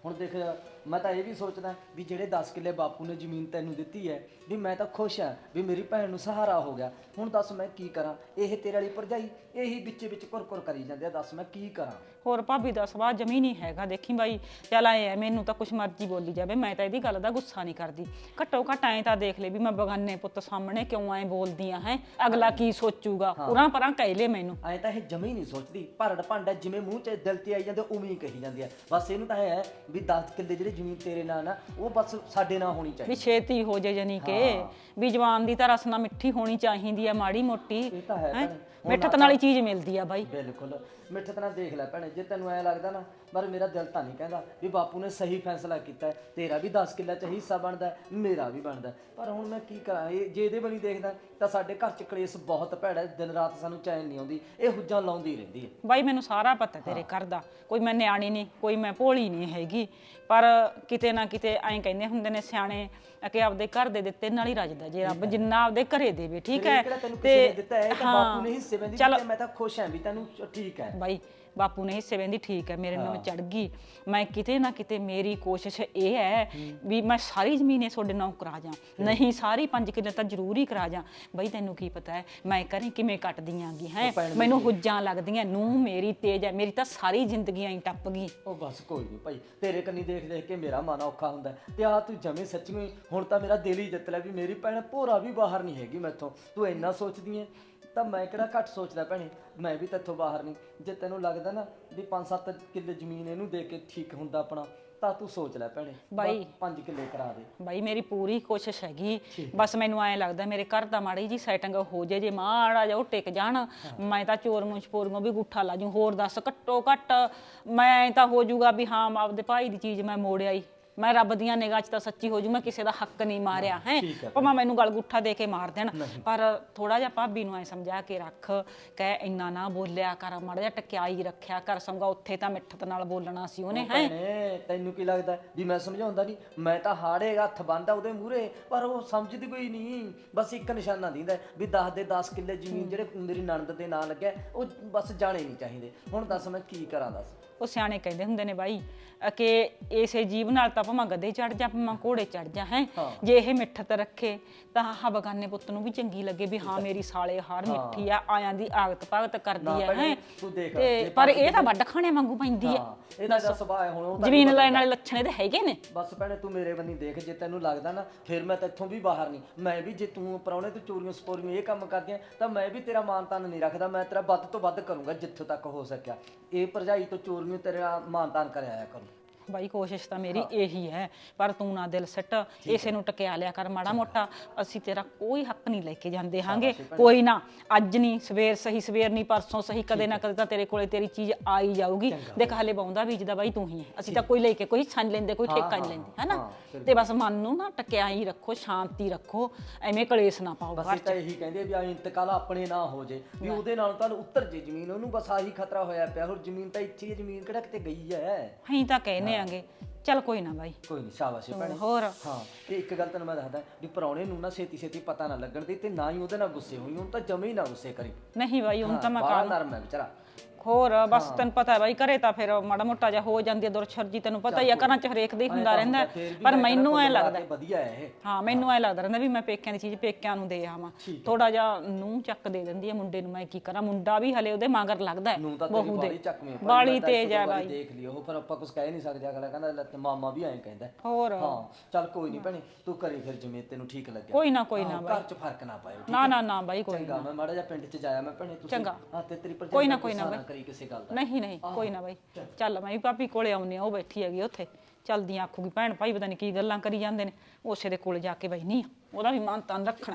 S2: ਹੁਣ ਦੇਖ ਮੈਂ ਤਾਂ ਇਹ ਵੀ ਸੋਚਦਾ ਵੀ ਜਿਹੜੇ ਦਸ ਕਿੱਲੇ ਬਾਪੂ ਨੇ ਜ਼ਮੀਨ ਤੈਨੂੰ ਦਿੱਤੀ ਹੈ ਵੀ ਮੈਂ ਤਾਂ ਖੁਸ਼ ਹਾਂ ਵੀ ਮੇਰੀ ਭੈਣ ਨੂੰ ਸਹਾਰਾ ਹੋ ਗਿਆ। ਹੁਣ ਦੱਸ ਮੈਂ ਕੀ ਕਰਾਂ? ਇਹ ਤੇਰੇ ਵਾਲੀ ਭਰਜਾਈ ਇਹੀ ਵਿੱਚੇ ਵਿੱਚ ਕੁਰ-ਕੁਰ ਕਰੀ ਜਾਂਦੇ ਆ, ਦੱਸ ਮੈਂ ਕੀ ਕਰਾਂ?
S3: ਹੋਰ ਭਾਬੀ ਦਾ ਸੁਭਾਅ ਜਮੀ ਨਹੀਂ ਹੈਗਾ। ਦੇਖੀ ਬਾਈ ਚੱਲ ਆਏ ਆ, ਮੈਨੂੰ ਤਾਂ ਕੁਛ ਮਰਜ਼ੀ ਬੋਲੀ ਜਾਵੇ, ਮੈਂ ਤਾਂ ਇਹਦੀ ਗੱਲ ਦਾ ਗੁੱਸਾ ਨਹੀਂ ਕਰਦੀ। ਘੱਟੋ ਘੱਟ ਐਂ ਤਾਂ ਦੇਖ ਲੈ ਵੀ ਮੈਂ ਬਗਾਨੇ ਪੁੱਤ ਸਾਹਮਣੇ ਕਿਉਂ ਐਂ ਬੋਲਦੀ ਆ ਹੈ, ਅਗਲਾ ਕੀ ਸੋਚੂਗਾ, ਉਰਾਂ ਪਰਾਂ ਕਹਿ ਲੈ ਮੈਨੂੰ।
S2: ਐਂ ਤਾਂ ਇਹ ਜਮੀ ਨਹੀਂ ਸੋਚਦੀ, ਭਰੜ ਭਾਂਡਾ ਜਿਵੇਂ ਮੂੰਹ 'ਚ ਦਿਲ 'ਤੇ ਆਈ ਜਾਂਦੇ ਉਵੇਂ ਹੀ ਕਹੀ ਜਾਂਦੀ ਆ। ਬਸ ਇਹਨੂੰ ਤਾਂ ਇਹ ਹੈ ਵੀ ਦਸ ਕਿੱਲੇ ਜਿਹੜੀ ਜ਼ਮੀਨ ਤੇਰੇ ਨਾਲ ਨਾ ਉਹ ਬਸ ਸਾਡੇ ਨਾਲ ਹੋਣੀ
S3: ਵੀ
S2: ਚਾਹੀਦੀ।
S3: ਛੇਤੀ ਹੋ ਜੇ ਜਾਨੀ ਕਿ ਵੀ ਜਵਾਨ ਦੀ ਤਾਂ ਰਸਨਾ ਮਿੱਠੀ ਹੋਣੀ ਚਾਹੀਦੀ ਆ, ਮਾੜੀ ਮੋਟੀ
S2: ਇਹ ਤਾਂ ਹੈ ਭੈਣੇ।
S3: ਮਿੱਠਤ ਨਾਲ ਹੀ ਚੀਜ਼ ਮਿਲਦੀ ਆ ਬਾਈ।
S2: ਬਿਲਕੁਲ ਮਿੱਠਤ ਨਾਲ ਦੇਖ ਲੈ ਭੈਣੇ, ਜੇ ਤੈਨੂੰ ਐ ਲੱਗਦਾ ਨਾ ਪਰ ਮੇਰਾ ਦਿਲ ਤਾਂ ਨਹੀਂ ਕਹਿੰਦਾ ਵੀ ਬਾਪੂ ਨੇ ਸਹੀ ਫੈਸਲਾ ਕੀਤਾ ਹੈ। ਤੇਰਾ ਵੀ ਦਸ ਕਿੱਲਾ 'ਚ ਹਿੱਸਾ ਬਣਦਾ, ਮੇਰਾ ਵੀ ਬਣਦਾ, ਪਰ ਹੁਣ ਮੈਂ ਕੀ ਕਰਾਂ? ਇਹ ਜੇ ਇਹਦੇ ਬਣੀ ਦੇਖਦਾ ਤਾਂ ਸਾਡੇ ਘਰ 'ਚ ਕਲੇਸ਼ ਬਹੁਤ ਭੈੜਾ ਹੈ, ਦਿਨ ਰਾਤ ਸਾਨੂੰ ਚੈਨ ਨਹੀਂ ਆਉਂਦੀ, ਇਹ ਹੁੱਜਾਂ ਲਾਉਂਦੀ ਰਹਿੰਦੀ ਹੈ।
S3: ਬਾਈ ਮੈਨੂੰ ਸਾਰਾ ਪਤਾ ਤੇਰੇ ਘਰ ਦਾ, ਕੋਈ ਮੈਂ ਨਿਆਣੀ ਨਹੀਂ, ਕੋਈ ਮੈਂ ਭੋਲੀ ਨਹੀਂ ਹੈਗੀ, ਪਰ ਕਿਤੇ ਨਾ ਕਿਤੇ ਐਂ ਕਹਿੰਦੇ ਹੁੰਦੇ ਨੇ ਸਿਆਣੇ ਕਿ ਆਪਦੇ ਘਰ ਦੇ ਦਿੱਤੇ ਨਾਲ ਹੀ ਰੱਜਦਾ, ਜੇ ਰੱਬ ਜਿੰਨਾ ਆਪਦੇ ਘਰੇ ਦੇਵੇ ਠੀਕ ਹੈ।
S2: ਤੇ ਬਾਪੂ ਨੇ ਹਿੱਸੇ ਬੰਦੀ ਦਿੱਤੇ, ਮੈਂ ਤਾਂ ਖੁਸ਼ ਹਾਂ ਵੀ ਤੈਨੂੰ ਠੀਕ ਹੈ
S3: ਬਾਈ। ਬਾਪੂ ਨੇ ਹਿੱਸੇ ਵੰਦੀ ਠੀਕ ਹੈ, ਮੇਰੇ ਨਾਲ ਚੜ ਗਈ। ਮੈਂ ਕਿਤੇ ਨਾ ਕਿਤੇ ਮੇਰੀ ਕੋਸ਼ਿਸ਼ ਇਹ ਹੈ ਵੀ ਮੈਂ ਸਾਰੀ ਜ਼ਮੀਨ ਤੁਹਾਡੇ ਨਾਲ ਕਰਾ ਜਾ, ਨਹੀਂ ਸਾਰੀ ਪੰਜ ਕਿੱਲੇ ਤਾਂ ਜ਼ਰੂਰ ਹੀ ਕਰਾ ਜਾ। ਬਈ ਤੈਨੂੰ ਕੀ ਪਤਾ ਹੈ ਮੈਂ ਕਰੇ ਕਿਵੇਂ ਕੱਟਦੀ ਆਂਗੀ ਹੈ, ਮੈਨੂੰ ਹੁੱਜਾਂ ਲੱਗਦੀਆਂ, ਨੂੰ ਮੇਰੀ ਤੇਜ਼ ਹੈ, ਮੇਰੀ ਤਾਂ ਸਾਰੀ ਜ਼ਿੰਦਗੀ ਐਂ ਟੱਪ ਗਈ।
S2: ਉਹ ਬਸ ਕੋਈ ਨਹੀਂ ਭਾਈ, ਤੇਰੇ ਕੰਨੀ ਦੇਖ ਦੇਖ ਕੇ ਮੇਰਾ ਮਨ ਔਖਾ ਹੁੰਦਾ ਤੇ ਆ ਤੂੰ ਜਮੇ ਸੱਚੀ ਹੁਣ ਤਾਂ ਮੇਰਾ ਦਿਲ ਹੀ ਜਿੱਤ ਲਿਆ ਵੀ ਮੇਰੀ ਭੈਣ ਭੋਰਾ ਵੀ ਬਾਹਰ ਨਹੀਂ ਹੈਗੀ ਮੈਥੋਂ। ਤੂੰ ਇੰਨਾ ਸੋਚਦੀ ਹੈ ਤਾਂ ਮੈਂ ਕਿਹੜਾ ਘੱਟ ਸੋਚਦਾ ਭੈਣੇ, ਮੈਂ ਵੀ ਤੇਥੋਂ ਬਾਹਰ ਨਹੀਂ। ਜੇ ਤੈਨੂੰ ਲੱਗਦਾ ਨਾ ਵੀ ਪੰਜ ਸੱਤ ਕਿੱਲੇ ਜ਼ਮੀਨ ਇਹਨੂੰ ਦੇ ਕੇ ਠੀਕ ਹੁੰਦਾ ਆਪਣਾ ਤਾਂ ਤੂੰ ਸੋਚ ਲੈ ਭੈਣੇ,
S3: ਬਾਈ
S2: ਪੰਜ ਕਿੱਲੇ ਕਰਾ ਦੇ।
S3: ਬਾਈ ਮੇਰੀ ਪੂਰੀ ਕੋਸ਼ਿਸ਼ ਹੈਗੀ, ਬਸ ਮੈਨੂੰ ਐਂ ਲੱਗਦਾ ਮੇਰੇ ਘਰ ਦਾ ਮਾੜੀ ਜੀ ਸੈਟਿੰਗ ਹੋ ਜੇ, ਜੇ ਮਾੜਾ ਜਿਹਾ ਉਹ ਟਿਕ ਜਾਣ ਮੈਂ ਤਾਂ ਚੋਰ ਮੁੰਛ ਪੋਰੀਆਂ ਵੀ ਗੁੱਠਾ ਲਾ ਜੂ। ਹੋਰ ਦੱਸ ਘੱਟੋ ਘੱਟ ਮੈਂ ਤਾਂ ਹੋ ਜਾਊਗਾ ਵੀ ਹਾਂ ਆਪਦੇ ਭਾਈ ਦੀ ਚੀਜ਼ ਮੈਂ ਮੋੜ ਆਈ, ਮੈਂ ਰੱਬ ਦੀਆਂ ਨਿਗਾਹ 'ਚ ਤਾਂ ਸੱਚੀ ਹੋ ਜੂ, ਮੈਂ ਕਿਸੇ ਦਾ ਹੱਕ ਨਹੀਂ ਮਾਰਿਆ ਹੈ, ਭਾਵੇਂ ਮੈਨੂੰ ਗਲ ਗੁੱਠਾ ਦੇ ਕੇ ਮਾਰ ਦੇਣ। ਪਰ ਥੋੜਾ ਜਿਹਾ ਭਾਬੀ ਨੂੰ ਐ ਸਮਝਾ ਕੇ ਰੱਖ, ਕਹਿ ਇੰਨਾ ਨਾ ਬੋਲਿਆ ਕਰ, ਮਾੜਾ ਜਿਹਾ ਟਕਿਆਈ ਰੱਖਿਆ ਕਰ, ਸਮਝਾ ਉੱਥੇ ਤਾਂ ਮਿੱਠਤ ਨਾਲ ਬੋਲਣਾ ਸੀ ਉਹਨੇ ਹੈ।
S2: ਤੈਨੂੰ ਕੀ ਲੱਗਦਾ ਵੀ ਮੈਂ ਸਮਝਾਉਂਦਾ ਨਹੀਂ? ਮੈਂ ਤਾਂ ਹਾੜੇ ਹੱਥ ਬੰਨਦਾ ਉਹਦੇ ਮੂਹਰੇ, ਪਰ ਉਹ ਸਮਝਦੀ ਕੋਈ ਨਹੀਂ। ਬਸ ਇੱਕ ਨਿਸ਼ਾਨਾ ਦਿੰਦਾ ਵੀ ਦਸ ਦੇ ਦਸ ਕਿੱਲੇ ਜ਼ਮੀਨ ਜਿਹੜੇ ਮੇਰੀ ਨਣਦ ਦੇ ਨਾਂ ਲੱਗਿਆ ਉਹ ਬਸ ਜਾਣੇ ਨਹੀਂ ਚਾਹੀਦੇ। ਹੁਣ ਦੱਸ ਮੈਂ ਕੀ ਕਰਾਂ? ਦੱਸ।
S3: ਉਹ ਸਿਆਣੇ ਕਹਿੰਦੇ ਹੁੰਦੇ ਨੇ ਬਾਈ ਕਿ ਇਸੇ ਜੀਵ ਨਾਲ ਤਾਂ ਭਾਵੇਂ ਗੱਦੇ ਚੜ ਜਾ ਭਾਵੇਂ ਘੋੜੇ ਚੜ ਜਾ ਹੈ, ਜੇ ਇਹ ਮਿੱਠਤ ਰੱਖੇ ਤਾਂ ਆਹ ਬਗਾਨੇ ਪੁੱਤ ਨੂੰ ਵੀ ਚੰਗੀ ਲੱਗੇ ਵੀ ਹਾਂ ਮੇਰੀ ਸਾਲੇ ਹਾਰ ਮਿੱਠੀ ਆ, ਆਇਆਂ ਦੀ ਆਗਤ ਭਗਤ ਕਰਦੀ ਹੈ ਹੈ। ਤੇ ਪਰ ਇਹ ਤਾਂ ਵੱਡ ਖਾਣੇ ਵਾਂਗੂ ਪੈਂਦੀ ਹੈ,
S2: ਇਹਦਾ ਦਾ ਸੁਭਾਅ ਹੁਣ ਉਹ
S3: ਜ਼ਮੀਨ ਲੈਣ ਵਾਲੇ ਲੱਛਣ ਇਹਦੇ ਹੈਗੇ ਨੇ।
S2: ਬਸ ਭੈਣੇ ਤੂੰ ਮੇਰੇ ਬੰਨੀ ਦੇਖ, ਜੇ ਤੈਨੂੰ ਲੱਗਦਾ ਨਾ ਫਿਰ ਮੈਂ ਤਾਂ ਇੱਥੋਂ ਵੀ ਬਾਹਰ ਨਹੀਂ। ਮੈਂ ਵੀ ਜੇ ਤੂੰ ਪ੍ਰਾਹੁਣੇ ਤੇ ਚੋਰੀਆਂ ਸਪੋਰੀਆਂ ਇਹ ਕੰਮ ਕਰਦੀਆਂ ਤਾਂ ਮੈਂ ਵੀ ਤੇਰਾ ਮਾਨ ਤਾਨ ਨਹੀਂ ਰੱਖਦਾ, ਮੈਂ ਤੇਰਾ ਵੱਧ ਤੋਂ ਵੱਧ ਕਰੂੰਗਾ ਜਿੱਥੋਂ ਤੱਕ ਹੋ ਸਕਿਆ। ਇਹ ਭਰਜਾਈ ਤੋਂ ਚੋਰੀਆਂ ਤੇਰਾ ਮਾਨ ਤਾਨ ਕਰਿਆ ਕਰੂੰ।
S3: ਬਾਈ ਕੋਸ਼ਿਸ਼ ਤਾਂ ਮੇਰੀ ਇਹੀ ਹੈ, ਪਰ ਤੂੰ ਨਾ ਦਿਲ ਸੱਟ, ਇਸੇ ਨੂੰ ਟਕਿਆ ਲਿਆ ਕਰ ਮਾੜਾ ਮੋਟਾ। ਅਸੀਂ ਤੇਰਾ ਕੋਈ ਹੱਕ ਨਹੀਂ ਲੈ ਕੇ ਜਾਂਦੇ ਹਾਂਗੇ, ਕੋਈ ਨਾ ਅੱਜ ਨਹੀਂ ਸਵੇਰ ਸਹੀ, ਸਵੇਰ ਨਹੀਂ ਪਰਸੋਂ ਸਹੀ, ਕਦੇ ਨਾ ਕਦੇ ਤਾਂ ਤੇਰੇ ਕੋਲੇ ਤੇਰੀ ਚੀਜ਼ ਆ ਹੀ ਜਾਊਗੀ। ਦੇਖ ਹਲੇ ਬਾਉਂਦਾ ਬੀਜਦਾ ਬਾਈ ਤੂੰ ਹੀ ਹੈ, ਅਸੀਂ ਤਾਂ ਕੋਈ ਲੈ ਕੇ ਕੋਈ ਛੰਨ ਲੈਂਦੇ, ਕੋਈ ਠੇਕਾ ਨਹੀਂ ਲੈਂਦੇ ਹੈ ਨਾ। ਤੇ ਬਸ ਮਨ ਨੂੰ ਨਾ ਟਕਿਆ ਹੀ ਰੱਖੋ, ਸ਼ਾਂਤੀ ਰੱਖੋ, ਐਵੇਂ ਕਲੇਸ਼ ਨਾ ਪਾਓ ਘਰ 'ਚ।
S2: ਤਾਂ ਇਹੀ ਕਹਿੰਦੇ ਵੀ ਆ ਇੰਤਕਾਲ ਆਪਣੇ ਨਾ ਹੋ ਜੇ, ਵੀ ਉਹਦੇ ਨਾਲ ਤੁਹਾਨੂੰ ਉੱਤਰ ਜੇ ਜ਼ਮੀਨ, ਉਹਨੂੰ ਬਸ ਆਹੀ ਖਤਰਾ ਹੋਇਆ ਪਿਆ। ਹੋਰ ਜ਼ਮੀਨ ਤਾਂ ਇੱਥੇ ਹੀ, ਜ਼ਮੀਨ ਕਿਹੜਾ ਕਿਤੇ ਗਈ ਹੈ।
S3: ਅਸੀਂ ਤਾਂ ਕਹਿੰਦੇ ਆਂਗੇ ਚੱਲ ਕੋਈ ਨਾ ਬਾਈ,
S2: ਕੋਈ ਨਹੀਂ ਸ਼ਾਬਾਸ਼ ਭੈਣੇ।
S3: ਹੋਰ
S2: ਹਾਂ ਤੇ ਇੱਕ ਗੱਲ ਤੈਨੂੰ ਮੈਂ ਦੱਸਦਾ ਵੀ ਪ੍ਰਾਹੁਣੇ ਨੂੰ ਨਾ ਛੇਤੀ ਛੇਤੀ ਪਤਾ ਨਾ ਲੱਗਣ ਦੇ, ਤੇ ਨਾ ਹੀ ਉਹਦੇ ਨਾਲ ਗੁੱਸੇ ਹੋਈ, ਉਹਨੂੰ ਤਾਂ ਜਮੇ ਹੀ ਨਾ ਗੁੱਸੇ ਕਰੀ।
S3: ਨਹੀਂ ਬਾਈ ਹੁਣ ਤਾਂ ਮੈਂ
S2: ਬੜਾ ਨਰਮ ਹੈ ਵਿਚਾਰਾ।
S3: ਹੋਰ ਬਸ ਤੈਨੂੰ ਪਤਾ ਬਾਈ ਘਰੇ ਤਾਂ ਫਿਰ ਮਾੜਾ ਮੋਟਾ ਜਿਹਾ ਹੋ ਜਾਂਦੀ ਹੈ ਦੁਰਛਰਜੀ, ਤੈਨੂੰ ਪਤਾ ਹੀ ਆ ਘਰਾਂ 'ਚ ਹਰੇਕ ਦਾ ਹੀ ਹੁੰਦਾ ਰਹਿੰਦਾ। ਪਰ ਮੈਨੂੰ ਐ ਲੱਗਦਾ
S2: ਵਧੀਆ ਹੈ ਇਹ,
S3: ਹਾਂ ਮੈਨੂੰ ਐ ਲੱਗਦਾ ਰਹਿੰਦਾ ਵੀ ਮੈਂ ਪੇਕਿਆਂ ਦੀ ਚੀਜ਼ ਪੇਕਿਆਂ ਨੂੰ ਦੇ ਆਵਾਂ। ਥੋੜਾ ਜਿਹਾ ਨੂੰਹ ਚੱਕ ਦੇ ਦਿੰਦੀ ਹੈ ਮੁੰਡੇ ਨੂੰ, ਮੈਂ ਕੀ ਕਰਾਂ, ਮੁੰਡਾ ਵੀ ਹਲੇ ਉਹਦੇ ਮਗਰ ਲੱਗਦਾ ਬਹੂ ਦੇ, ਬਾਲੀ ਤੇਜ਼ ਹੈ ਬਾਈ।
S2: ਦੇਖ ਲਿਓ ਪਰ ਆਪਾਂ ਕੁਝ ਕਹਿ ਨਹੀਂ ਸਕਦੇ, ਅਗਲਾ ਕਹਿੰਦਾ ਲੈ ਮਾਮਾ ਵੀ ਐਂ ਕਹਿੰਦਾ।
S3: ਹੋਰ
S2: ਹਾਂ ਚੱਲ ਕੋਈ ਨਹੀਂ ਭੈਣੇ, ਤੂੰ ਕਰੀ ਫਿਰ ਜਿਵੇਂ ਤੈਨੂੰ ਠੀਕ ਲੱਗਿਆ।
S3: ਕੋਈ ਨਾ ਕੋਈ ਨਾ ਬਾਈ,
S2: ਘਰ 'ਚ ਫਰਕ ਨਾ ਪਾਇਓ।
S3: ਨਾ ਨਾ ਨਾ ਬਾਈ ਕੋਈ
S2: ਚੰਗਾ, ਮੈਂ ਮਾੜਾ ਜਿਹਾ ਪਿੰਡ 'ਚ ਜਾਇਆ ਮੈਂ ਭੈਣੇ, ਤੁਸੀਂ
S3: ਚੰਗਾ
S2: ਹਾਂ ਤੇ ਤੇਰੀ
S3: ਕੋਈ ਨਾ ਕੋਈ ਨਾ ਬਾਈ
S2: ਕਰੀ ਕਿਸੇ ਗੱਲ ਦਾ।
S3: ਨਹੀਂ ਨਹੀਂ ਕੋਈ ਨਾ ਬਾਈ, ਚੱਲ ਮੈਂ ਵੀ ਭਾਬੀ ਕੋਲੇ ਆਉਣੀ ਆ, ਉਹ ਬੈਠੀ ਹੈਗੀ ਉੱਥੇ, ਚਲਦੀਆਂ ਆਖੂਗੀ ਭੈਣ ਭਾਈ ਪਤਾ ਨਹੀਂ ਕੀ ਗੱਲਾਂ ਕਰੀ ਜਾਂਦੇ ਨੇ, ਉਸੇ ਦੇ ਕੋਲੇ ਜਾ ਕੇ ਬੈਠੀ ਆ, ਉਹਦਾ ਵੀ ਮਾਨ ਤਾਨ ਰੱਖਣਾ।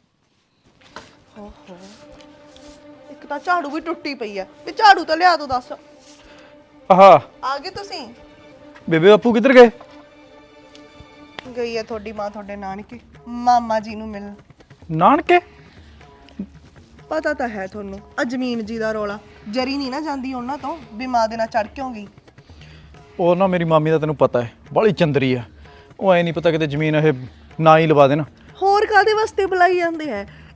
S6: ਓਹੋ ਇੱਕ ਤਾਂ ਝਾੜੂ ਵੀ ਟੁੱਟੀ ਪਈ ਆ, ਵੀ ਝਾੜੂ ਤਾਂ ਲਿਆ ਦੋ ਦੱਸ।
S7: ਆਹਾ
S6: ਆ ਗਏ ਤੁਸੀਂ?
S7: ਬੇਬੇ ਬਾਪੂ ਕਿੱਧਰ ਗਏ?
S6: ਗਈ ਆ ਤੁਹਾਡੀ ਮਾਂ ਤੁਹਾਡੇ ਨਾਨਕੇ ਮਾਮਾ ਜੀ ਨੂੰ ਮਿਲਣ।
S7: ਨਾਨਕੇ?
S6: ਪਤਾ ਤਾਂ ਹੈ ਤੁਹਾਨੂੰ, ਆ ਜ਼ਮੀਨ ਜੀ ਦਾ ਰੋਲਾ, ਜਰੀ ਨਹੀਂ ਨਾ ਜਾਂਦੀ ਉਹਨਾਂ ਤੋਂ ਵੀ ਮਾਂ ਦੇ ਨਾਲ ਚੜ ਕਿਉਂ ਗਈ।
S7: ਉਹ ਨਾ ਮੇਰੀ ਮਾਮੀ ਦਾ ਤੈਨੂੰ ਪਤਾ ਹੈ ਬਾਹਲੀ ਚੰਦਰੀ ਆ, ਉਹ ਐ ਨਹੀਂ ਪਤਾ ਕਿਤੇ ਜ਼ਮੀਨ ਇਹ ਨਾ ਹੀ ਲਵਾ ਦੇਣ।
S6: ਹੋਰ ਕਾਦੇ ਵਾਸਤੇ ਬੁਲਾਈ ਜਾਂਦੇ ਹੈ,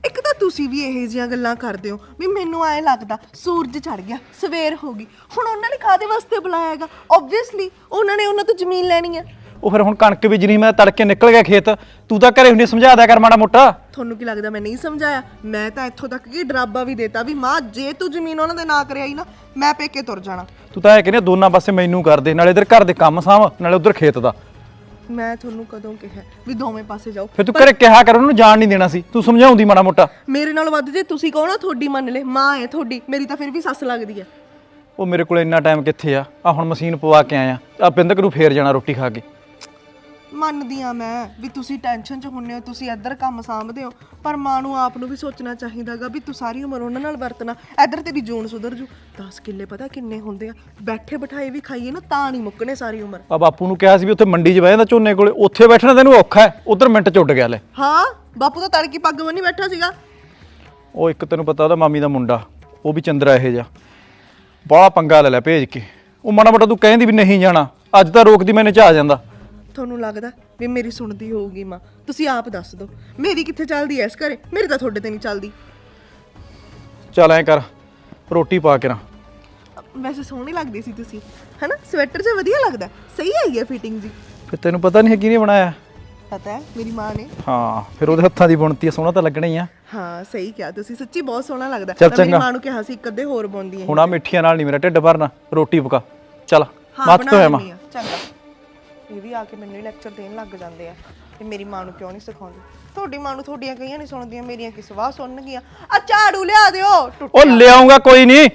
S6: ਇੱਕ ਤਾਂ ਤੁਸੀਂ ਵੀ ਇਹੋ ਜਿਹੀਆਂ ਗੱਲਾਂ ਕਰਦੇ ਹੋ ਵੀ ਮੈਨੂੰ ਐਂ ਲੱਗਦਾ ਸੂਰਜ ਚੜ ਗਿਆ ਸਵੇਰ ਹੋ ਗਈ। ਹੁਣ ਉਹਨਾਂ ਨੇ ਕਾਹਦੇ ਵਾਸਤੇ ਬੁਲਾਇਆ ਹੈਗਾ? ਓਬਵੀਅਸਲੀ ਉਹਨਾਂ ਨੇ ਉਹਨਾਂ ਤੋਂ ਜ਼ਮੀਨ ਲੈਣੀ ਹੈ।
S7: ਉਹ ਫਿਰ ਹੁਣ ਕਣਕ ਬੀਜਣੀ, ਮੈਂ ਤੜਕੇ ਨਿਕਲ ਗਿਆ ਖੇਤ, ਤੂੰ ਤਾਂ ਘਰੇ ਹੁੰਦੀ ਸਮਝਾ ਦਿਆ ਕਰ ਮਾੜਾ ਮੋਟਾ।
S6: ਤੁਹਾਨੂੰ ਕੀ ਲੱਗਦਾ ਮੈਂ ਨਹੀਂ ਸਮਝਾਇਆ? ਮੈਂ ਤਾਂ ਇੱਥੋਂ ਤੱਕ ਕਿ ਡਰਾਬਾ ਵੀ ਦੇਤਾ ਵੀ ਮਾਂ ਜੇ ਤੂੰ ਜ਼ਮੀਨ ਉਹਨਾਂ ਦੇ ਨਾਂ ਕਰਿਆਈ ਨਾ ਮੈਂ ਪੇਕੇ ਤੁਰ ਜਾਣਾ।
S7: ਤੂੰ ਤਾਂ ਇਹ ਕਹਿੰਦੀ ਦੋਨਾਂ ਪਾਸੇ ਮੈਨੂੰ ਕਰ ਦੇ, ਨਾਲੇ ਇਧਰ ਘਰ ਦੇ ਕੰਮ ਸਾਂਭ ਨਾਲੇ ਉਧਰ ਖੇਤ ਦਾ।
S6: ਮੈਂ ਤੁਹਾਨੂੰ ਕਦੋਂ ਕਿਹਾ ਵੀ ਦੋਵੇਂ ਪਾਸੇ ਜਾਓ?
S7: ਫਿਰ ਤੂੰ ਘਰੇ ਕਿਹਾ ਕਰ, ਉਹਨੂੰ ਜਾਣ ਨਹੀਂ ਦੇਣਾ ਸੀ, ਤੂੰ ਸਮਝਾਉਂਦੀ ਮਾੜਾ ਮੋਟਾ।
S6: ਮੇਰੇ ਨਾਲ ਵੱਧ ਜੇ ਤੁਸੀਂ ਕਹੋ ਨਾ ਤੁਹਾਡੀ ਮੰਨ ਲੈ, ਮਾਂ ਹੈ ਤੁਹਾਡੀ, ਮੇਰੀ ਤਾਂ ਫਿਰ ਵੀ ਸੱਸ ਲੱਗਦੀ ਹੈ।
S7: ਉਹ ਮੇਰੇ ਕੋਲ ਇੰਨਾ ਟਾਈਮ ਕਿੱਥੇ ਆ? ਆ ਹੁਣ ਮਸ਼ੀਨ ਪਵਾ ਕੇ ਆਇਆ, ਆ ਬਿੰਦਕ ਨੂੰ ਫੇਰ ਜਾਣਾ ਰੋਟੀ ਖਾ ਕੇ।
S6: ਮੰਨਦੀ ਆ ਮੈਂ ਵੀ ਤੁਸੀਂ ਟੈਨਸ਼ਨ 'ਚ ਹੁੰਨੇ ਹੋ, ਤੁਸੀਂ ਇੱਧਰ ਕੰਮ ਸਾਂਭਦੇ ਹੋ, ਪਰ ਮਾਂ ਨੂੰ ਆਪ ਨੂੰ ਵੀ ਸੋਚਣਾ ਚਾਹੀਦਾਗਾ ਵੀ ਤੂੰ ਸਾਰੀ ਉਮਰ ਉਹਨਾਂ ਨਾਲ ਵਰਤਣਾ। ਇੱਧਰ ਤੇਰੀ ਜੂਨ ਸੁਧਰ ਜੂ। ਦਸ ਕਿੱਲੇ ਪਤਾ ਕਿੰਨੇ ਹੁੰਦੇ ਆ? ਬੈਠੇ ਬਿਠਾਏ ਵੀ ਖਾਈਏ ਨਾ ਤਾਂ ਨਹੀਂ ਮੁੱਕਣੇ ਸਾਰੀ ਉਮਰ।
S7: ਆ ਬਾਪੂ ਨੂੰ ਕਿਹਾ ਸੀ ਵੀ ਉੱਥੇ ਮੰਡੀ 'ਚ ਬਹਿ ਜਾਂਦਾ ਝੋਨੇ ਕੋਲੇ, ਉੱਥੇ ਬੈਠਣਾ ਤੈਨੂੰ ਔਖਾ ਹੈ, ਉਧਰ ਮਿੰਟ 'ਚ ਉੱਡ ਗਿਆ ਲੈ।
S6: ਹਾਂ ਬਾਪੂ ਤਾਂ ਤੜਕੀ ਪੱਗ ਬੰਨੀ ਬੈਠਾ ਸੀਗਾ।
S7: ਉਹ ਇੱਕ ਤੈਨੂੰ ਪਤਾ ਉਹਦਾ ਮਾਮੀ ਦਾ ਮੁੰਡਾ, ਉਹ ਵੀ ਚੰਦਰਾ ਇਹੋ ਜਿਹਾ, ਬਾਹਲਾ ਪੰਗਾ ਲੈ ਲੈ ਭੇਜ ਕੇ। ਉਹ ਮਾੜਾ ਮੋਟਾ ਤੂੰ ਕਹਿੰਦੀ ਵੀ ਨਹੀਂ ਜਾਣਾ, ਅੱਜ ਤਾਂ ਰੋਕਦੀ ਮੈਨੇ ਚ ਆ ਜਾਂਦਾ।
S6: ਤੁਹਾਨੂੰ ਲੱਗਦਾ ਵੀ ਮੇਰੀ ਸੁਣਦੀ ਹੋਊਗੀ ਮਾਂ? ਤੁਸੀਂ ਆਪ ਦੱਸ ਦਿਓ ਮੇਰੀ ਕਿੱਥੇ ਚੱਲਦੀ ਐ ਇਸ ਘਰੇ? ਮੇਰੀ ਤਾਂ ਤੁਹਾਡੇ ਤੇ ਨਹੀਂ ਚੱਲਦੀ।
S7: ਚੱਲ ਐਂ ਕਰ, ਰੋਟੀ ਪਾ ਕੇ ਨਾ।
S6: ਵੈਸੇ ਸੋਹਣੀ ਲੱਗਦੀ ਸੀ ਤੁਸੀਂ, ਹਨਾ? ਸਵੈਟਰ ਜਿਹਾ ਵਧੀਆ ਲੱਗਦਾ, ਸਹੀ ਆਈ ਹੈ ਫਿਟਿੰਗ ਜੀ।
S7: ਫਿਰ ਤੈਨੂੰ ਪਤਾ ਨਹੀਂ ਹੈ ਕਿਹਨੇ ਬਣਾਇਆ?
S6: ਪਤਾ ਹੈ ਮੇਰੀ ਮਾਂ ਨੇ।
S7: ਹਾਂ ਫਿਰ ਉਹਦੇ ਹੱਥਾਂ ਦੀ ਬੁਣਤੀ ਆ, ਸੋਹਣਾ ਤਾਂ ਲੱਗਣਾ ਹੀ ਆ।
S6: ਹਾਂ ਸਹੀ ਕਿਹਾ ਤੁਸੀਂ, ਸੱਚੀ ਬਹੁਤ ਸੋਹਣਾ ਲੱਗਦਾ।
S7: ਚੱਲ
S6: ਮੈਂ ਮੇਰੀ
S7: ਚੰਗਾ।
S6: ਮਾਂ ਨੂੰ ਕਿਹਾ ਸੀ ਇੱਕ ਅੱਧੇ ਹੋਰ ਬੁਣਦੀ ਹੈ।
S7: ਹੁਣ ਆ ਮਿੱਠੀਆਂ ਨਾਲ ਨਹੀਂ ਮੇਰਾ ਢਿੱਡ ਭਰਨਾ, ਰੋਟੀ ਪਕਾ। ਚੱਲ
S6: ਹਾਂ
S7: ਮੱਤ
S6: ਬਣਾ
S7: ਤੋਂ ਹੈ ਮਾਂ।
S6: ਲੈਂਦੀ ਹਾਂ, ਚੰਗਾ। ਇਹ ਵੀ ਆ ਕੇ ਮੈਨੂੰ ਹੀ ਲੈਕਚਰ ਦੇਣ ਲੱਗ ਜਾਂਦੇ ਆ ਤੇ ਮੇਰੀ ਮਾਂ ਨੂੰ ਕਿਉਂ ਨਹੀਂ ਸਿਖਾਉਂਦੀ। ਤੁਹਾਡੀ ਮਾਂ ਨੂੰ ਤੁਹਾਡੀਆਂ ਕਈਆਂ ਨਹੀਂ ਸੁਣਦੀਆਂ, ਮੇਰੀਆਂ ਕੀ ਸਵਾਹ ਸੁਣਨਗੀਆਂ। ਆ ਝਾੜੂ ਲਿਆ ਦਿਓ।
S7: ਉਹ ਲਿਆਉਂਗਾ ਕੋਈ ਨਹੀਂ।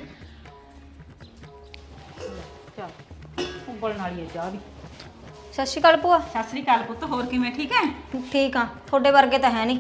S3: ਉਬਲਣ ਵਾਲੀ ਹੈ ਚਾਹ ਵੀ।
S8: ਸਤਿ ਸ਼੍ਰੀ ਅਕਾਲ ਭੂਆ।
S3: ਸਤਿ ਸ੍ਰੀ ਅਕਾਲ ਪੁੱਤ, ਹੋਰ ਕਿਵੇਂ? ਠੀਕ ਹੈ?
S8: ਠੀਕ ਆ, ਤੁਹਾਡੇ ਵਰਗੇ ਤਾਂ ਹੈ ਨਹੀਂ।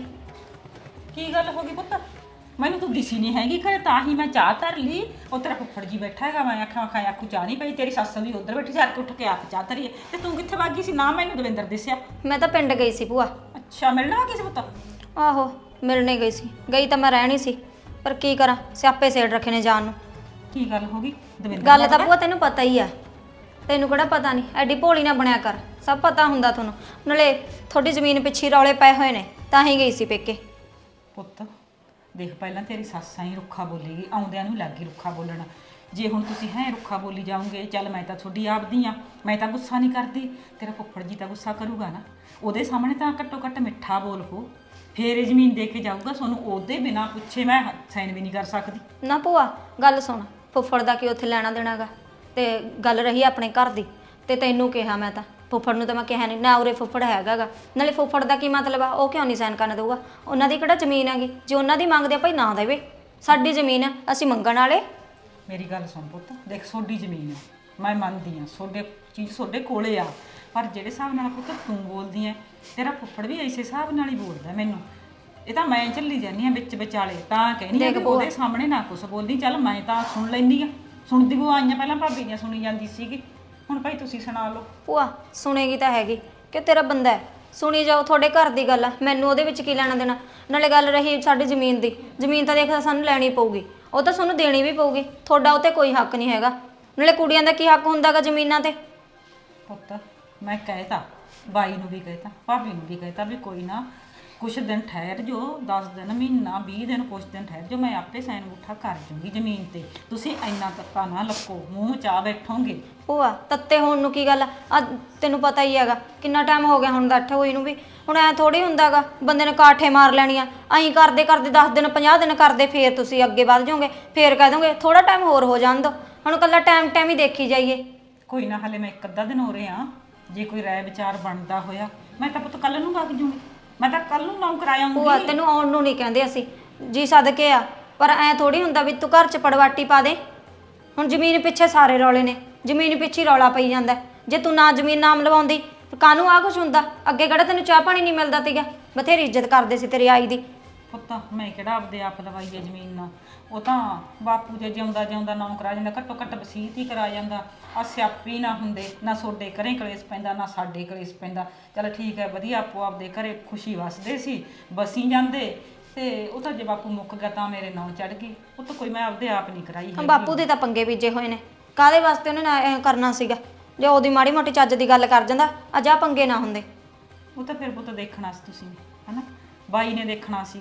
S3: ਕੀ ਗੱਲ ਹੋ ਗਈ ਪੁੱਤ? ਮੈਨੂੰ ਤੂੰ ਦਿਸੀ ਨਹੀਂ ਹੈਗੀ ਘਰੇ, ਤਾਂ ਹੀ ਮੈਂ ਚਾਹ ਧਰ ਲਈ। ਉਹ ਤੇਰਾ ਫੁੱਫੜ ਜੀ ਬੈਠਾ ਹੈਗਾ, ਮੈਂ ਆਖਾਂ ਆਖਾਂ ਆਖੂ ਚਾਹ ਨਹੀਂ ਪਈ। ਤੇਰੀ ਸੱਸ ਵੀ ਉੱਧਰ ਬੈਠੀ, ਚੱਲ ਕੇ ਉੱਠ ਕੇ ਆਪ ਚਾਹ ਧਰੀਏ। ਤੇ ਤੂੰ ਕਿੱਥੇ ਵਗ ਗਈ ਸੀ? ਨਾ ਮੈਨੂੰ ਦਵਿੰਦਰ ਦਿਸਿਆ।
S8: ਮੈਂ ਤਾਂ ਪਿੰਡ ਗਈ ਸੀ ਭੂਆ।
S3: ਅੱਛਾ, ਮਿਲਣ ਆ ਗਈ ਸੀ ਪੁੱਤ?
S8: ਆਹੋ ਮਿਲਣੇ ਗਈ ਸੀ। ਗਈ ਤਾਂ ਮੈਂ ਰਹਿਣੀ ਸੀ, ਪਰ ਕੀ ਕਰਾਂ, ਸਿਆਪੇ ਸੇੜ ਰੱਖੇ ਨੇ ਜਾਣ ਨੂੰ।
S3: ਕੀ ਗੱਲ ਹੋ ਗਈ ਦਵਿੰਦਰ?
S8: ਗੱਲ ਤਾਂ ਭੂਆ ਤੈਨੂੰ ਪਤਾ ਹੀ ਆ। ਤੈਨੂੰ ਕਿਹੜਾ ਪਤਾ ਨਹੀਂ? ਐਡੀ ਭੋਲੀ ਨਾ ਬਣਿਆ ਕਰ, ਸਭ ਪਤਾ ਹੁੰਦਾ ਤੁਹਾਨੂੰ। ਨਾਲੇ ਤੁਹਾਡੀ ਜ਼ਮੀਨ ਪਿੱਛੇ ਰੌਲੇ ਪਏ ਹੋਏ ਨੇ, ਤਾਂ ਹੀ ਗਈ ਸੀ ਪੇਕੇ।
S3: ਪੁੱਤ ਦੇਖ, ਪਹਿਲਾਂ ਤੇਰੀ ਸੱਸ ਹੀ ਰੁੱਖਾ ਬੋਲੇਗੀ, ਆਉਂਦਿਆਂ ਨੂੰ ਲੱਗੀ ਰੁੱਖਾ ਬੋਲਣ। ਜੇ ਹੁਣ ਤੁਸੀਂ ਹੈ ਰੁੱਖਾ ਬੋਲੀ ਜਾਓਗੇ, ਚੱਲ ਮੈਂ ਤਾਂ ਤੁਹਾਡੀ ਆਪਦੀ ਆ, ਮੈਂ ਤਾਂ ਗੁੱਸਾ ਨਹੀਂ ਕਰਦੀ। ਤੇਰਾ ਫੁੱਫੜ ਜੀ ਤਾਂ ਗੁੱਸਾ ਕਰੂਗਾ ਨਾ, ਉਹਦੇ ਸਾਹਮਣੇ ਤਾਂ ਘੱਟੋ ਘੱਟ ਮਿੱਠਾ ਬੋਲ ਹੋ, ਫੇਰ ਇਹ ਜ਼ਮੀਨ ਦੇ ਕੇ ਜਾਊਗਾ ਤੁਹਾਨੂੰ। ਉਹਦੇ ਬਿਨਾਂ ਪੁੱਛੇ ਮੈਂ ਸਾਈਨ ਵੀ ਨਹੀਂ ਕਰ ਸਕਦੀ।
S8: ਨਾ ਭੂਆ ਗੱਲ ਸੁਣ, ਫੁੱਫੜ ਦਾ ਕੀ ਉੱਥੇ ਲੈਣਾ ਦੇਣਾਗਾ? ਤੇ ਗੱਲ ਰਹੀ ਆਪਣੇ ਘਰ ਦੀ, ਤੇ ਤੈਨੂੰ ਕਿਹਾ ਮੈਂ ਤਾਂ, ਫੁੱਫੜ ਨੂੰ ਤਾਂ ਮੈਂ ਕਿਹਾ ਨਹੀਂ ਨਾ। ਉਰੇ ਫੁੱਫੜ ਹੈਗਾਗਾ, ਨਾਲੇ ਫੁੱਫੜ ਦਾ ਕੀ ਮਤਲਬ ਆ? ਉਹ ਕਿਉਂ ਨਹੀਂ ਸਾਈਨ ਕਰਨ ਦੇਊਗਾ? ਉਹਨਾਂ ਦੀ ਕਿਹੜਾ ਜ਼ਮੀਨ ਹੈਗੀ? ਜੇ ਉਹਨਾਂ ਦੀ ਮੰਗਦੇ ਆ ਭਾਈ ਨਾ ਦੇਵੇ, ਸਾਡੀ ਜ਼ਮੀਨ ਆ, ਅਸੀਂ ਮੰਗਣ ਵਾਲੇ।
S3: ਮੇਰੀ ਗੱਲ ਸੁਣ ਪੁੱਤ, ਦੇਖ ਤੁਹਾਡੀ ਜ਼ਮੀਨ ਆ, ਮੈਂ ਮੰਨਦੀ ਆ, ਤੁਹਾਡੇ ਚੀਜ਼ ਤੁਹਾਡੇ ਕੋਲੇ ਆ, ਪਰ ਜਿਹੜੇ ਹਿਸਾਬ ਨਾਲ ਪੁੱਤ ਤੂੰ ਬੋਲਦੀ ਐ, ਤੇਰਾ ਫੁੱਫੜ ਵੀ ਇਸੇ ਹਿਸਾਬ ਨਾਲ ਹੀ ਬੋਲਦਾ ਮੈਨੂੰ। ਇਹ ਤਾਂ ਮੈਂ ਝੱਲੀ ਜਾਂਦੀ ਆ ਵਿੱਚ ਵਿਚਾਲੇ, ਤਾਂ ਕਹਿੰਦੀ ਆ ਕਿ ਉਹਦੇ ਸਾਹਮਣੇ ਨਾ ਕੁਛ ਬੋਲਦੀ। ਚੱਲ ਮੈਂ ਤਾਂ ਸੁਣ ਲੈਂਦੀ ਆ, ਸੁਣਦੀ ਉਹ ਆਈਆਂ ਪਹਿਲਾਂ ਭਾਬੀ ਦੀਆਂ ਸੁਣੀ ਜਾਂਦੀ ਸੀਗੀ, ਹੁਣ ਭਾਈ ਤੁਸੀਂ ਸੁਣਾ ਲਓ।
S8: ਭੂਆ ਸੁਣੇਗੀ ਤਾਂ ਹੈਗੀ ਕਿ ਤੇਰਾ ਬੰਦਾ ਹੈ, ਸੁਣੀ ਜਾਓ, ਤੁਹਾਡੇ ਘਰ ਦੀ ਗੱਲ ਆ, ਮੈਨੂੰ ਉਹਦੇ ਵਿੱਚ ਕੀ ਲੈਣਾ ਦੇਣਾ। ਨਾਲੇ ਗੱਲ ਰਹੀ ਸਾਡੀ ਜ਼ਮੀਨ ਦੀ, ਜ਼ਮੀਨ ਤਾਂ ਦੇਖ ਸਾਨੂੰ ਲੈਣੀ ਪਊਗੀ, ਉਹ ਤਾਂ ਤੁਹਾਨੂੰ ਦੇਣੀ ਵੀ ਪਊਗੀ। ਤੁਹਾਡਾ ਉਹ 'ਤੇ ਕੋਈ ਹੱਕ ਨਹੀਂ ਹੈਗਾ। ਨਾਲੇ ਕੁੜੀਆਂ ਦਾ ਕੀ ਹੱਕ ਹੁੰਦਾਗਾ ਜ਼ਮੀਨਾਂ 'ਤੇ?
S3: ਪੁੱਤ ਮੈਂ ਕਹਿਤਾ, ਬਾਈ ਨੂੰ ਵੀ ਕਹਿਤਾ, ਭਾਬੀ ਨੂੰ ਵੀ ਕਹਿਤਾ ਵੀ ਕੋਈ ਨਾ ਕੁਛ ਦਿਨ ਠਹਿਰ ਜੋ, ਦਸ ਦਿਨ ਮਹੀਨਾ ਵੀਹ ਦਿਨ ਕੁਛ ਦਿਨ ਠਹਿਰ ਜੋ, ਮੈਂ ਆਪੇ ਸਾਈਨ ਅੰਗੂਠਾ ਕਰ ਜੂੰਗੀ ਜ਼ਮੀਨ ਤੇ। ਤੁਸੀਂ ਇੰਨਾ ਤੱਕਾ ਨਾ ਲੱਕੋ, ਮੂੰਹ ਚਾਹ ਬੈਠੋਗੇ।
S8: ਭੂਆ ਤੱਤੇ ਹੋਣ ਨੂੰ ਕੀ ਗੱਲ ਆ? ਤੈਨੂੰ ਪਤਾ ਹੀ ਹੈਗਾ ਕਿੰਨਾ ਟਾਈਮ ਹੋ ਗਿਆ ਹੁਣ ਡੱਠ ਹੋਈ ਨੂੰ ਵੀ। ਹੁਣ ਐ ਥੋੜੀ ਹੁੰਦਾਗਾ ਬੰਦੇ ਨੇ ਕਾਠੇ ਮਾਰ ਲੈਣੀਆਂ। ਅਸੀਂ ਕਰਦੇ ਕਰਦੇ ਦਸ ਦਿਨ ਪੰਜਾਹ ਦਿਨ ਕਰਦੇ, ਫੇਰ ਤੁਸੀਂ ਅੱਗੇ ਵੱਧ ਜਾਓਗੇ, ਫੇਰ ਕਹਿ ਦੋਗੇ ਥੋੜਾ ਟਾਈਮ ਹੋਰ ਹੋ ਜਾਣ ਦੋ। ਹੁਣ ਕੱਲਾ ਟਾਈਮ ਟਾਈਮ ਹੀ ਦੇਖੀ ਜਾਈਏ।
S3: ਕੋਈ ਨਾ, ਹਲੇ ਮੈਂ ਇੱਕ ਅੱਧਾ ਦਿਨ ਹੋ ਰਿਹਾ, ਜੇ ਕੋਈ ਰਾਏ ਵਿਚਾਰ ਬਣਦਾ ਹੋਇਆ ਮੈਂ ਤਾਂ ਪੁੱਤ ਕੱਲ ਨੂੰ ਵਗ ਜੂੰਗੀ, ਮੈਂ ਤਾਂ ਕੱਲ ਨੂੰ ਨਾਮ ਕਰਾ ਆਉਂਗੀ।
S8: ਭੂਆ ਤੈਨੂੰ ਆਉਣ ਨੂੰ ਨਹੀਂ ਕਹਿੰਦੇ ਅਸੀਂ, ਜੀ ਸਦਕੇ ਆ, ਪਰ ਐ ਥੋੜੀ ਹੁੰਦਾ ਵੀ ਤੂੰ ਘਰ 'ਚ ਪੜਵਾਟੀ ਪਾ ਦੇ। ਹੁਣ ਜ਼ਮੀਨ ਪਿੱਛੇ ਸਾਰੇ ਰੌਲੇ ਨੇ, ਜ਼ਮੀਨ ਪਿੱਛੇ ਰੌਲਾ ਪਈ ਜਾਂਦਾ। ਜੇ ਤੂੰ ਨਾ ਜ਼ਮੀਨ ਨਾਮ ਲਵਾਉਂਦੀ ਕਾਹਨੂੰ ਆ ਕੁਛ ਹੁੰਦਾ? ਅੱਗੇ ਕਿਹੜਾ ਤੈਨੂੰ ਚਾਹ ਪਾਣੀ ਨਹੀਂ ਮਿਲਦਾ ਸੀਗਾ? ਬਥੇਰੀ ਇੱਜ਼ਤ ਕਰਦੇ ਸੀ ਤੇਰੀ ਆਈ ਦੀ।
S3: ਪੁੱਤ ਮੈਂ ਕਿਹੜਾ ਆਪਦੇ ਆਪ ਲਵਾਈ ਹੈ ਜ਼ਮੀਨ ਨਾਲ, ਉਹ ਤਾਂ ਬਾਪੂ ਜੇ ਜਿਉਂਦਾ ਜਿਉਂਦਾ ਨਾਮ ਕਰਾ ਜਾਂਦਾ, ਘੱਟੋ ਘੱਟ ਵਸੀਅਤ ਹੀ ਕਰਾ ਜਾਂਦਾ। ਆ ਸਿਆਪੀ ਨਾ ਹੁੰਦੇ, ਨਾ ਤੁਹਾਡੇ ਘਰੇ ਕਲੇਸ਼ ਪੈਂਦਾ, ਨਾ ਸਾਡੇ ਕਲੇਸ਼ ਪੈਂਦਾ। ਚੱਲ ਠੀਕ ਹੈ, ਵਧੀਆ ਆਪੋ ਆਪਦੇ ਘਰੇ ਖੁਸ਼ੀ ਵਸਦੇ ਸੀ, ਬਸੀ ਜਾਂਦੇ। ਤੇ ਉਹ ਤਾਂ ਜੇ ਬਾਪੂ ਮੁੱਕ ਗਿਆ ਤਾਂ ਮੇਰੇ ਨਾਂ ਚੜ ਗਈ। ਉਹ ਤਾਂ ਕੋਈ ਮੈਂ ਆਪਦੇ ਆਪ ਨਹੀਂ ਕਰਾਈ ਹੈਗੀ।
S8: ਬਾਪੂ ਦੇ ਤਾਂ ਪੰਗੇ ਬੀਜੇ ਹੋਏ ਨੇ, ਕਾਹਦੇ ਵਾਸਤੇ ਉਹਨੇ ਨਾ ਇਹ ਕਰਨਾ ਸੀਗਾ? ਜੇ ਉਹਦੀ ਮਾੜੀ ਮੋਟੀ ਚੱਜ ਦੀ ਗੱਲ ਕਰ ਜਾਂਦਾ, ਅੱਜ ਆ ਪੰਗੇ ਨਾ ਹੁੰਦੇ।
S3: ਉਹ ਤਾਂ ਫਿਰ ਪੁੱਤ ਦੇਖਣਾ ਸੀ ਤੁਸੀਂ, ਹਨਾ? ਬਾਈ ਨੇ ਦੇਖਣਾ ਸੀਗਾ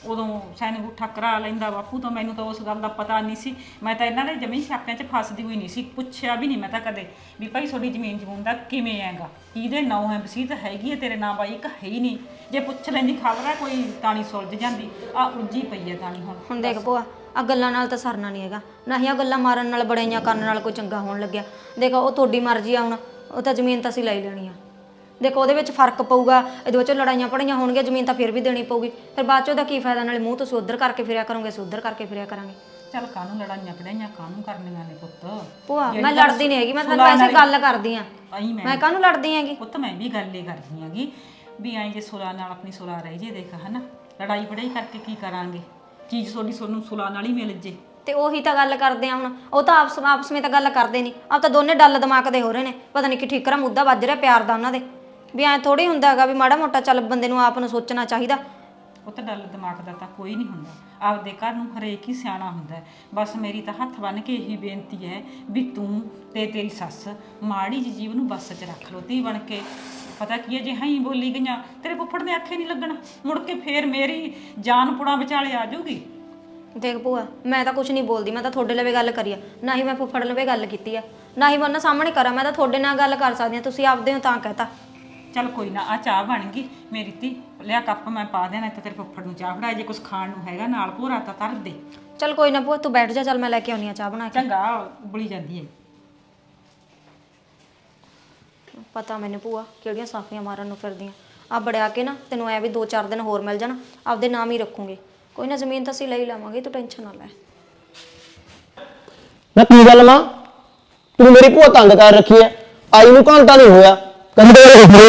S3: ਉਦੋਂ ਸੈਨਿਕ ਉੱਠਾ ਕਰਾ ਲੈਂਦਾ ਬਾਪੂ ਤੋਂ। ਮੈਨੂੰ ਤਾਂ ਉਸ ਗੱਲ ਦਾ ਪਤਾ ਨਹੀਂ ਸੀ, ਮੈਂ ਤਾਂ ਇਹਨਾਂ ਦੇ ਜ਼ਮੀਨ ਛਾਪਿਆਂ 'ਚ ਫਸਦੀ ਹੋਈ ਨਹੀਂ ਸੀ, ਪੁੱਛਿਆ ਵੀ ਨਹੀਂ ਮੈਂ ਤਾਂ ਕਦੇ ਵੀ ਭਾਈ ਤੁਹਾਡੀ ਜ਼ਮੀਨ ਜਮੂਨ ਦਾ ਕਿਵੇਂ ਹੈਗਾ, ਕਿਹਦੇ ਨਾਂ ਹੈ, ਵਸੀਅਤ ਹੈਗੀ ਹੈ ਤੇਰੇ ਨਾਂ ਬਾਈ ਇੱਕ ਹੈ ਹੀ ਨਹੀਂ। ਜੇ ਪੁੱਛ ਲੈਂਦੀ ਖਬਰ ਹੈ ਕੋਈ ਤਾਣੀ ਸੁਲਝ ਜਾਂਦੀ, ਆ ਉਲਝੀ ਪਈ ਹੈ ਤਾਣੀ ਹੁਣ।
S8: ਹੁਣ ਦੇਖ ਭੂਆ, ਆ ਗੱਲਾਂ ਨਾਲ ਤਾਂ ਸਰਨਾ ਨਹੀਂ ਹੈਗਾ, ਨਾ ਹੀ ਆ ਗੱਲਾਂ ਮਾਰਨ ਨਾਲ ਬੜਾਈਆਂ ਕਰਨ ਨਾਲ ਕੋਈ ਚੰਗਾ ਹੋਣ ਲੱਗਿਆ। ਦੇਖੋ ਉਹ ਤੁਹਾਡੀ ਮਰਜ਼ੀ ਆ, ਹੁਣ ਉਹ ਤਾਂ ਜ਼ਮੀਨ ਤਾਂ ਅਸੀਂ ਲੈ ਲੈਣੀ ਆ। ਦੇਖੋ ਉਹਦੇ ਵਿੱਚ ਫਰਕ ਪਊਗਾ, ਇਹਦੇ ਵਿੱਚ ਲੜਾਈਆਂ ਪੜੀਆਂ ਹੋਣਗੀਆਂ, ਜ਼ਮੀਨ ਤਾਂ ਫਿਰ ਵੀ ਦੇਣੀ ਪਊਗੀ। ਫਿਰ ਬਾਅਦ 'ਚ ਉਹਦਾ ਕੀ ਫਾਇਦਾ, ਨਾਲੇ ਮੂੰਹ ਤੁਸੀਂ ਉੱਧਰ ਕਰਕੇ ਫਿਰਿਆ ਕਰੋਗੇ, ਅਸੀਂ ਉੱਧਰ ਕਰਕੇ ਫਿਰਿਆ ਕਰਾਂਗੇ।
S3: ਚੱਲ ਕਾਹਨੂੰ ਲੜਾਈਆਂ ਪੜਾਈਆਂ ਕਾਹਨੂੰ ਕਰਨੀਆਂ ਨੇ ਪੁੱਤ।
S8: ਭੂਆ ਮੈਂ ਲੜਦੀ ਨਹੀਂ ਹੈਗੀ, ਮੈਂ ਤਾਂ ਵੈਸੇ ਗੱਲ ਕਰਦੀ ਆ।
S3: ਆਈ ਮੈਂ
S8: ਮੈਂ ਕਾਹਨੂੰ ਲੜਦੀ ਹੈਗੀ
S3: ਪੁੱਤ, ਮੈਂ ਵੀ ਗੱਲ ਹੀ ਕਰਦੀ ਹੈਗੀ ਵੀ ਐਂ ਜੇ ਸੁਲਾ ਨਾਲ ਆਪਣੀ ਸੁਲਾ ਰਹਿ ਜੇ, ਦੇਖ ਹਨਾ ਲੜਾਈ ਪੜਾਈ ਕਰਕੇ ਕੀ ਕਰਾਂਗੇ, ਚੀਜ਼ ਤੁਹਾਡੀ ਤੁਹਾਨੂੰ ਸੁਲਾ ਨਾਲ ਹੀ ਮਿਲ ਜੇ।
S8: ਤੇ ਉਹੀ ਤਾਂ ਗੱਲ ਕਰਦੇ ਆ ਹੁਣ, ਉਹ ਤਾਂ ਆਪਸ ਆਪਸ ਵਿੱਚ ਤਾਂ ਗੱਲ ਕਰਦੇ ਨਹੀਂ, ਆਪ ਤਾਂ ਦੋਨੇ ਡੱਲ ਦਿਮਾਗ ਦੇ ਹੋ ਰਹੇ ਨੇ। ਪਤਾ ਨਹੀਂ ਕਿ ਠੀਕਰਾ ਮੁੱਦਾ ਵੱਜ ਰਿਹਾ ਪਿਆਰ ਦਾ ਉਹਨਾਂ ਦੇ, ਵੀ ਐਂ ਥੋੜੀ ਹੁੰਦਾ ਹੈਗਾ ਵੀ ਮਾੜਾ ਮੋਟਾ ਚੱਲ ਬੰਦੇ ਨੂੰ ਆਪ ਨੂੰ ਸੋਚਣਾ ਚਾਹੀਦਾ।
S3: ਉਹ ਤਾਂ ਡੱਲ ਦਿਮਾਗ ਦਾ ਤਾਂ ਕੋਈ ਨਹੀਂ ਹੁੰਦਾ, ਆਪਦੇ ਘਰ ਨੂੰ ਹਰੇਕ ਹੀ ਸਿਆਣਾ ਹੁੰਦਾ ਹੈ। ਬਸ ਮੇਰੀ ਤਾਂ ਹੱਥ ਬੰਨ੍ਹ ਕੇ ਇਹੀ ਬੇਨਤੀ ਹੈ ਵੀ ਤੂੰ ਤੇ ਤੇਰੀ ਸੱਸ ਮਾੜੀ ਜਿਹੀ ਜੀਵ ਨੂੰ ਬੱਸ 'ਚ ਰੱਖ ਲਓ ਧੀ ਬਣ ਕੇ। ਪਤਾ ਕੀ ਹੈ, ਜੇ ਹਾਂ ਹੀ ਬੋਲੀ ਗਈਆਂ ਤੇਰੇ ਫੁੱਫੜ ਦੇ ਆਖੇ ਨਹੀਂ ਲੱਗਣਾ, ਮੁੜ ਕੇ ਫੇਰ ਮੇਰੀ ਜਾਨ ਪੁੜਾ ਵਿਚਾਲੇ ਆ ਜਾਊਗੀ।
S8: ਦੇਖ ਭੂਆ, ਮੈਂ ਤਾਂ ਕੁਝ ਨਹੀਂ ਬੋਲਦੀ, ਮੈਂ ਤਾਂ ਤੁਹਾਡੇ ਲਵੇ ਗੱਲ ਕਰੀ ਆ, ਨਾ ਹੀ ਮੈਂ ਫੁੱਫੜ ਲਵੇ ਗੱਲ ਕੀਤੀ ਆ, ਨਾ ਹੀ ਮੈਂ ਉਹਨਾਂ ਸਾਹਮਣੇ ਕਰਾਂ। ਮੈਂ ਤਾਂ ਤੁਹਾਡੇ ਨਾਲ ਗੱਲ ਕਰ ਸਕਦੀ ਆ, ਤੁਸੀਂ ਆਪਦੇ ਹੋ ਤਾਂ ਕਹਤਾ।
S3: ਚੱਲ ਕੋਈ ਨਾ, ਆ ਚਾਹ ਬਣ ਗਈ ਮੇਰੀ ਧੀ, ਲਿਆ ਕੱਪ ਮੈਂ ਪਾ ਦੇਣਾ ਤੇ ਤੇਰੇ ਫੁੱਫੜ ਨੂੰ ਚਾਹ ਫੜਾ, ਜੇ ਕੁਝ ਖਾਣ ਨੂੰ ਹੈਗਾ ਨਾਲ ਭੋਰਾ ਤਾਂ ਧਰ ਦੇ।
S8: ਚੱਲ ਕੋਈ ਨਾ ਭੂਆ, ਤੂੰ ਬੈਠ ਜਾ, ਚੱਲ ਮੈਂ ਲੈ ਕੇ ਆਉਣੀ ਆ ਚਾਹ ਬਣਾ ਕੇ।
S3: ਚੰਗਾ, ਉਬਲੀ ਜਾਂਦੀ ਹੈ।
S8: ਪਤਾ ਮੈਨੂੰ ਭੂਆ ਕਿਹੜੀਆਂ ਸਾਫੀਆਂ ਮਾਰਨ ਨੂੰ ਫਿਰਦੀਆਂ। ਆ ਬੜਿਆ ਕੇ ਨਾ ਤੈਨੂੰ ਐ ਵੀ ਦੋ ਚਾਰ ਦਿਨ ਹੋਰ ਮਿਲ ਜਾਣ, ਆਪਦੇ ਨਾਮ ਹੀ ਰੱਖੂਗੇ। ਕੋਈ ਨਾ, ਜ਼ਮੀਨ ਤਾਂ ਅਸੀਂ ਲੈ ਹੀ ਲਵਾਂਗੇ, ਤੂੰ ਟੈਨਸ਼ਨ ਨਾ ਲੈ।
S5: ਨਾ ਕੀ ਗੱਲ ਮਾਂ, ਤੂੰ ਮੇਰੀ ਭੂਆ ਤੰਗ ਕਰ ਰੱਖੀ ਐ, ਆਈ ਨੂੰ ਘੰਟਾ ਨਹੀਂ ਹੋਇਆ ਕਹਿੰਦੇ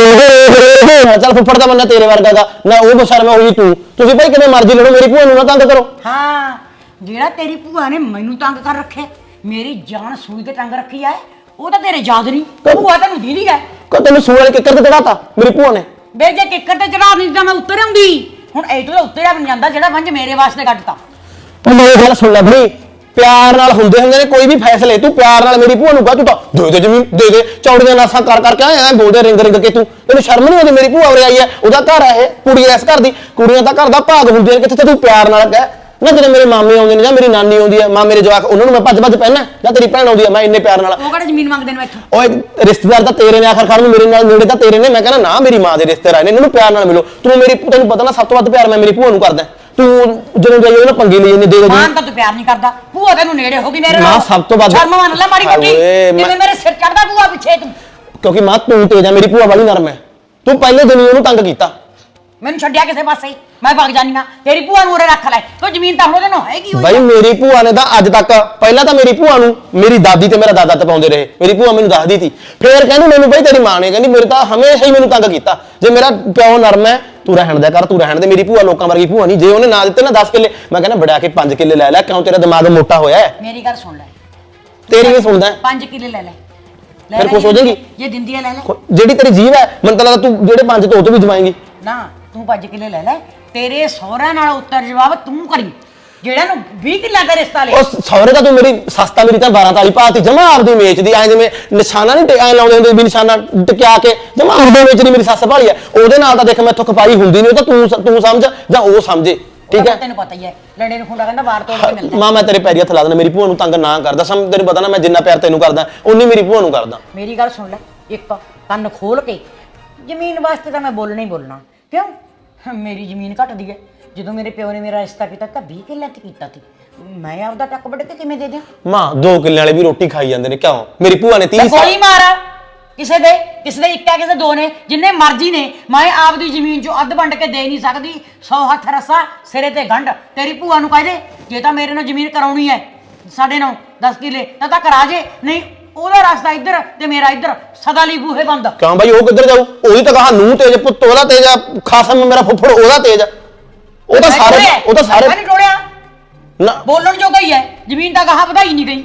S5: ਚੱਲ ਫੁੱਫੜ ਦਾ ਬੰਦਾ ਤੇਰੇ ਵਰਗਾ ਗਾ ਨਾ, ਉਹ ਬਸ਼ਰਮ ਹੋਈ ਤੂੰ। ਤੁਸੀਂ ਭਾਈ ਕਿਵੇਂ ਮਰਜ਼ੀ ਲੜੋ, ਮੇਰੀ ਭੂਆ ਨੂੰ ਨਾ ਤੰਗ ਕਰੋ।
S1: ਹਾਂ, ਜਿਹੜਾ ਤੇਰੀ ਭੂਆ ਨੇ ਮੈਨੂੰ ਤੰਗ ਕਰ ਰੱਖਿਆ, ਮੇਰੀ ਜਾਨ ਸੂਈ ਤੇ ਤੰਗ ਰੱਖੀ ਐ, ਉਹ ਤਾਂ ਤੇਰੇ ਯਾਦ ਨਹੀਂ। ਭੂਆ ਤੈਨੂੰ ਦੀਦੀ ਹੈ
S5: ਕੋ ਤੈਨੂੰ ਸੂਏ ਵਾਲੇ ਕਿੱਕਰ ਤੇ ਚੜਾਤਾ ਮੇਰੀ ਭੂਆ ਨੇ।
S1: ਬੇ ਜੇ ਕਿੱਕਰ ਤੇ ਚੜਾ ਨਹੀਂ ਤਾਂ ਮੈਂ ਉੱਤਰ ਆਉਂਦੀ। ਹੁਣ ਇਹ ਤੋਂ ਉੱਤਰਿਆ ਬਣ ਜਾਂਦਾ ਜਿਹੜਾ ਵੰਜ ਮੇਰੇ ਵਾਸਤੇ ਕੱਢਤਾ।
S5: ਉਹ ਮੇਰੀ ਗੱਲ ਸੁਣ ਲੈ ਬਈ, ਪਿਆਰ ਨਾਲ ਹੁੰਦੇ ਹੁੰਦੇ ਨੇ ਕੋਈ ਵੀ ਫੈਸਲੇ। ਤੂੰ ਪਿਆਰ ਨਾਲ ਮੇਰੀ ਭੂਆ ਨੂੰ ਕਹ, ਤੂੰ ਤਾਂ ਦੇ ਦੇ ਜ਼ਮੀਨ ਦੇ ਦੇ, ਚੌੜੀਆਂ ਨਾਸਾਂ ਕਰ ਕਰਕੇ ਐ ਬੋਲਦੇ ਰਿੰਗ ਰਿੰਗ ਕੇ। ਤੂੰ ਤੈਨੂੰ ਸ਼ਰਮ ਨਹੀਂ ਆਉਂਦੀ? ਮੇਰੀ ਭੂਆ ਉਰੇ ਆਈ ਐ, ਉਹਦਾ ਘਰ ਆ ਇਹ, ਕੁੜੀ ਐ ਇਸ ਘਰ ਦੀ, ਕੁੜੀਆਂ ਦਾ ਘਰ ਦਾ ਭਾਗ ਹੁੰਦੇ ਨੇ ਕਿੱਥੇ। ਤੇ ਤੂੰ ਪਿਆਰ ਨਾਲ ਕਹਿ ਨਾ, ਜਦੋਂ ਮੇਰੇ ਮਾਮੇ ਆਉਂਦੇ ਨੇ ਜਾਂ ਮੇਰੀ ਨਾਨੀ ਆਉਂਦੀ ਹੈ, ਮਾਂ ਮੇਰੇ ਜਵਾਕ, ਉਹਨਾਂ ਨੂੰ ਮੈਂ ਭੱਜ ਭੱਜ ਪਹਿਨਾ, ਜਾਂ ਤੇਰੀ ਭੈਣ ਆਉਂਦੀ ਹੈ ਮੈਂ ਇੰਨੇ ਪਿਆਰ ਨਾਲ।
S1: ਉਹ ਕਿਹੜਾ ਜ਼ਮੀਨ ਮੰਗਦੇ ਨੇ ਇੱਥੋਂ?
S5: ਓਏ ਰਿਸ਼ਤੇਦਾਰ ਤਾਂ ਤੇਰੇ ਨੇ, ਆਖਰ ਖਾਣ ਨੂੰ ਮੇਰੇ ਨਾਲ ਨੇੜੇ ਤਾਂ ਤੇਰੇ ਨੇ। ਮੈਂ ਕਹਿੰਦਾ ਨਾ, ਮੇਰੀ ਮਾਂ ਦੇ ਰਿਸ਼ਤੇਦਾਰ ਆਏ ਨੇ, ਇਹਨਾਂ ਨੂੰ ਪਿਆਰ ਨਾਲ ਮਿਲੋ। ਤੂੰ ਮੇਰੀ, ਤੈਨੂੰ ਪਤਾ ਨਾ ਸਭ ਤੋਂ ਵੱਧ ਪਿਆਰ ਮੈਂ ਮੇਰੀ ਭੂਆ ਨੂੰ ਕਰਦਾ। ਤੂੰ ਜਦੋਂ ਜਾਈਏ ਉਹਨਾਂ ਪੰਗੇ ਲਈ ਜਾਂਦੇ, ਦੇ ਦੇ
S1: ਮਾਂ ਤਾਂ ਤੂੰ ਪਿਆਰ ਨਹੀਂ ਕਰਦਾ, ਭੂਆ ਤੈਨੂੰ ਨੇੜੇ ਹੋ ਗਈ ਮੇਰੇ ਨਾਲ।
S5: ਮਾਂ ਸਭ ਤੋਂ ਵੱਧ
S1: ਸ਼ਰਮ ਮੰਨ ਲੈ ਮਾਰੀ ਕੁੱਟੀ, ਜਿਵੇਂ ਮੇਰੇ ਸਿਰ ਚੜਦਾ ਭੂਆ ਪਿੱਛੇ ਤੂੰ।
S5: ਕਿਉਂਕਿ ਮਾਂ ਤੂੰ ਤੇਜ ਆ, ਮੇਰੀ ਭੂਆ ਵਾਲੀ ਨਰਮ ਹੈ। ਤੂੰ ਪਹਿਲੇ ਦਿਨ ਹੀ ਉਹਨੂੰ ਤੰਗ ਕੀਤਾ।
S1: ਮੈਨੂੰ ਛੱਡਿਆ ਕਿਸੇ ਪਾਸੇ ਹੀ, ਮੈਂ ਭੱਗ ਜਾਨੀ ਆ। ਤੇਰੀ ਭੂਆ ਨੂੰ ਉਰੇ ਰੱਖ ਲੈ, ਤੂੰ ਜ਼ਮੀਨ ਤਾਂ ਹੁਣ ਉਹਦੇ ਨਾਲ ਹੈਗੀ ਹੋਈ।
S5: ਬਾਈ ਮੇਰੀ ਭੂਆ ਨੇ ਤਾਂ ਅੱਜ ਤੱਕ, ਪਹਿਲਾਂ ਤਾਂ ਮੇਰੀ ਭੂਆ ਨੂੰ ਮੇਰੀ ਦਾਦੀ ਤੇ ਮੇਰਾ ਦਾਦਾ ਤਪਾਉਂਦੇ ਰਹੇ। ਮੇਰੀ ਭੂਆ ਮੈਨੂੰ ਦੱਸਦੀ ਸੀ, ਫੇਰ ਕਹਿੰਦੀ ਮੈਨੂੰ ਬਈ ਤੇਰੀ ਮਾਂ ਨੇ ਕਹਿੰਦੀ ਮੇਰੇ ਤਾਂ ਹਮੇਸ਼ਾ ਹੀ ਮੈਨੂੰ ਤੰਗ ਕੀਤਾ। ਜੇ ਮੇਰਾ ਪਿਓ ਨਰਮ ਹੈ, ਤੂੰ ਰਹਿਣ ਦਿਆ ਕਰ, ਤੂੰ ਰਹਿਣ ਦੇ। ਮੇਰੀ ਭੂਆ ਲੋਕਾਂ ਵਰਗੀ ਭੂਆ ਨਹੀਂ। ਜੇ ਉਹਨੇ ਨਾ ਦਿੱਤੇ ਨਾ ਦਸ ਕਿੱਲੇ, ਮੈਂ ਕਹਿੰਦਾ ਬੜਿਆ ਕੇ ਪੰਜ ਕਿੱਲੇ ਲੈ ਲੈ, ਕਿਉਂ ਤੇਰਾ ਦਿਮਾਗ ਮੋਟਾ ਹੋਇਆ ਹੈ?
S1: ਮੇਰੀ ਗੱਲ ਸੁਣ ਲੈ,
S5: ਤੇਰੀ ਵੀ ਸੁਣਦਾ
S1: ਪੰਜ ਕਿੱਲੇ ਲੈ ਲੈ, ਲੈ
S5: ਫਿਰ
S1: ਲੈ
S5: ਖੁਸ਼ ਹੋ ਜਾਏਗੀ?
S1: ਜੇ ਦਿੰਦੀ ਹੈ ਲੈ ਲੈ।
S5: ਜਿਹੜੀ ਤੇਰੀ ਜੀਵ ਹੈ, ਮੈਨੂੰ ਤਾਂ ਲੱਗਦਾ ਤੂੰ ਜਿਹੜੇ ਪੰਜ ਤੋਂ ਉਹ ਤੋਂ ਵੀ ਜਵਾਏਂਗੀ।
S1: ਨਾ, ਤੂੰ ਪੰਜ ਕਿੱਲੇ ਲੈ ਲੈ, ਤੇਰੇ ਸਹੁਰਿਆਂ ਨਾਲ ਉੱਤਰ ਜਵਾਬ ਤੂੰ ਕਰੀ, ਜਿਹੜਾ ਨੂੰ ਵੀਹ ਕਿੱਲਿਆਂ ਦਾ ਰਿਸ਼ਤਾ ਲੈ।
S5: ਉਹ ਸਹੁਰੇ ਦਾ ਤੂੰ ਮੇਰੀ ਸਸਤਾ, ਮੇਰੀ ਤਾਂ ਬਾਰਾਂ ਤਾਲੀ ਪਾਤੀ ਜਮਾ ਆਪਦੀ ਵੇਚਦੀ, ਐ ਜਿਵੇਂ ਨਿਸ਼ਾਨਾ ਨਹੀਂ ਐ ਲਾਉਂਦੇ ਹੁੰਦੇ ਵੀ ਨਿਸ਼ਾਨਾ ਟਿਕਿਆ ਕੇ, ਜਮਾ ਆਪਦੀ ਵੇਚਦੀ ਮੇਰੀ ਸੱਸ ਭਾਲੀ ਐ। ਉਹਦੇ ਨਾਲ ਤਾਂ ਦੇਖ ਮੈਥੋਂ ਖਪਾਈ ਹੁੰਦੀ ਨਹੀਂ, ਉਹ ਤਾਂ ਤੂੰ ਤੂੰ ਸਮਝ ਜਾਂ ਉਹ ਸਮਝੇ, ਠੀਕ ਹੈ?
S1: ਤੈਨੂੰ ਪਤਾ ਹੀ ਹੈ, ਲੜੇ ਨੂੰ ਖੁੰਡਾ ਕਹਿੰਦਾ ਵਾਰ ਤੋੜ ਕੇ ਮਿਲਦਾ।
S5: ਮਾਂ ਮੈਂ ਤੇਰੇ ਪੈਰੀ ਹੱਥ ਲਾ ਦੇਣਾ, ਮੇਰੀ ਭੂਆ ਨੂੰ ਤੰਗ ਨਾ ਕਰਦਾ। ਸਮ ਤੈਨੂੰ ਪਤਾ ਨਾ ਮੈਂ ਜਿੰਨਾ ਪਿਆਰ ਤੈਨੂੰ ਕਰਦਾ, ਉਨੀ ਮੇਰੀ ਭੂਆ ਨੂੰ ਕਰਦਾ।
S1: ਮੇਰੀ ਗੱਲ ਸੁਣ ਲੈ, ਇੱਕ ਕੰਨ ਖੋਲ ਕੇ, ਜ਼ਮੀਨ ਵਾਸਤੇ ਤਾਂ ਮੈਂ ਬੋਲਣਾ ਹੀ ਬੋਲਣਾ। ਕਿਉਂ? ਮੇਰੀ ਜ਼ਮੀਨ ਘਟਦੀ ਹੈ। ਜਦੋਂ ਮੇਰੇ ਪਿਓ ਨੇ ਮੇਰਾ ਰਿਸ਼ਤਾ ਕੀਤਾ ਤਾਂ ਵੀਹ ਕਿੱਲੇ ਤੇ ਕੀਤਾ ਸੀ, ਮੈਂ ਆਪਦਾ ਟੱਕ ਵੱਢ ਕੇ ਕਿਵੇਂ ਦੇ ਦਿਆਂ?
S5: ਮਾਂ ਦੋ ਕਿੱਲੇ ਵਾਲੇ ਵੀ ਰੋਟੀ ਖਾਈ ਜਾਂਦੇ ਨੇ, ਕਿਉਂ? ਮੇਰੀ ਭੂਆ ਨੇ ਤੀਹ
S1: ਗੋਲੀ ਮਾਰ, ਕਿਸੇ ਦੇ ਕਿਸੇ ਦੇ ਇੱਕ ਹੈ, ਕਿਸੇ ਦੋ ਨੇ, ਜਿੰਨੇ ਮਰਜ਼ੀ ਨੇ। ਮੈਂ ਆਪਦੀ ਜ਼ਮੀਨ ਚੋਂ ਅੱਧ ਵੰਡ ਕੇ ਦੇ ਨਹੀਂ ਸਕਦੀ। ਸੌ ਹੱਥ ਰਸਾ ਸਿਰੇ ਤੇ ਗੰਢ। ਤੇਰੀ ਭੂਆ ਨੂੰ ਕਹਿ ਦੇ, ਜੇ ਤਾਂ ਮੇਰੇ ਨਾਲ ਜ਼ਮੀਨ ਕਰਾਉਣੀ ਹੈ ਸਾਡੇ ਨਾਲ ਦਸ ਕਿੱਲੇ ਤਾਂ ਤਾਂ ਕਰਾ ਜੇ, ਨਹੀਂ ਉਹਦਾ ਰਸਤਾ ਇੱਧਰ ਤੇ ਮੇਰਾ ਇੱਧਰ, ਸਦਾ ਲਈ ਬੂਹੇ ਬੰਦ।
S5: ਕਿਉਂ ਬਾਈ, ਉਹ ਕਿੱਧਰ ਜਾਊ? ਉਹਦੀ ਤਾਂ ਕਹਾ ਨੂੰ ਤੇਜ, ਪੁੱਤ ਉਹਦਾ ਤੇਜ ਆ, ਖਾਸਮ ਮੇਰਾ ਫੁੱਫੜ ਉਹਦਾ ਤੇਜ ਆ। ਉਹ ਤਾਂ ਸਾਰੇ ਉਹ ਤਾਂ ਸਾਰੇ
S1: ਨਹੀਂ ਟੋੜਿਆ
S5: ਨਾ
S1: ਬੋਲਣ ਜੋਗਾ ਹੀ ਹੈ, ਜ਼ਮੀਨ ਤਾਂ ਗਾਹਾਂ ਵਧਾਈ ਨਹੀਂ ਗਈ।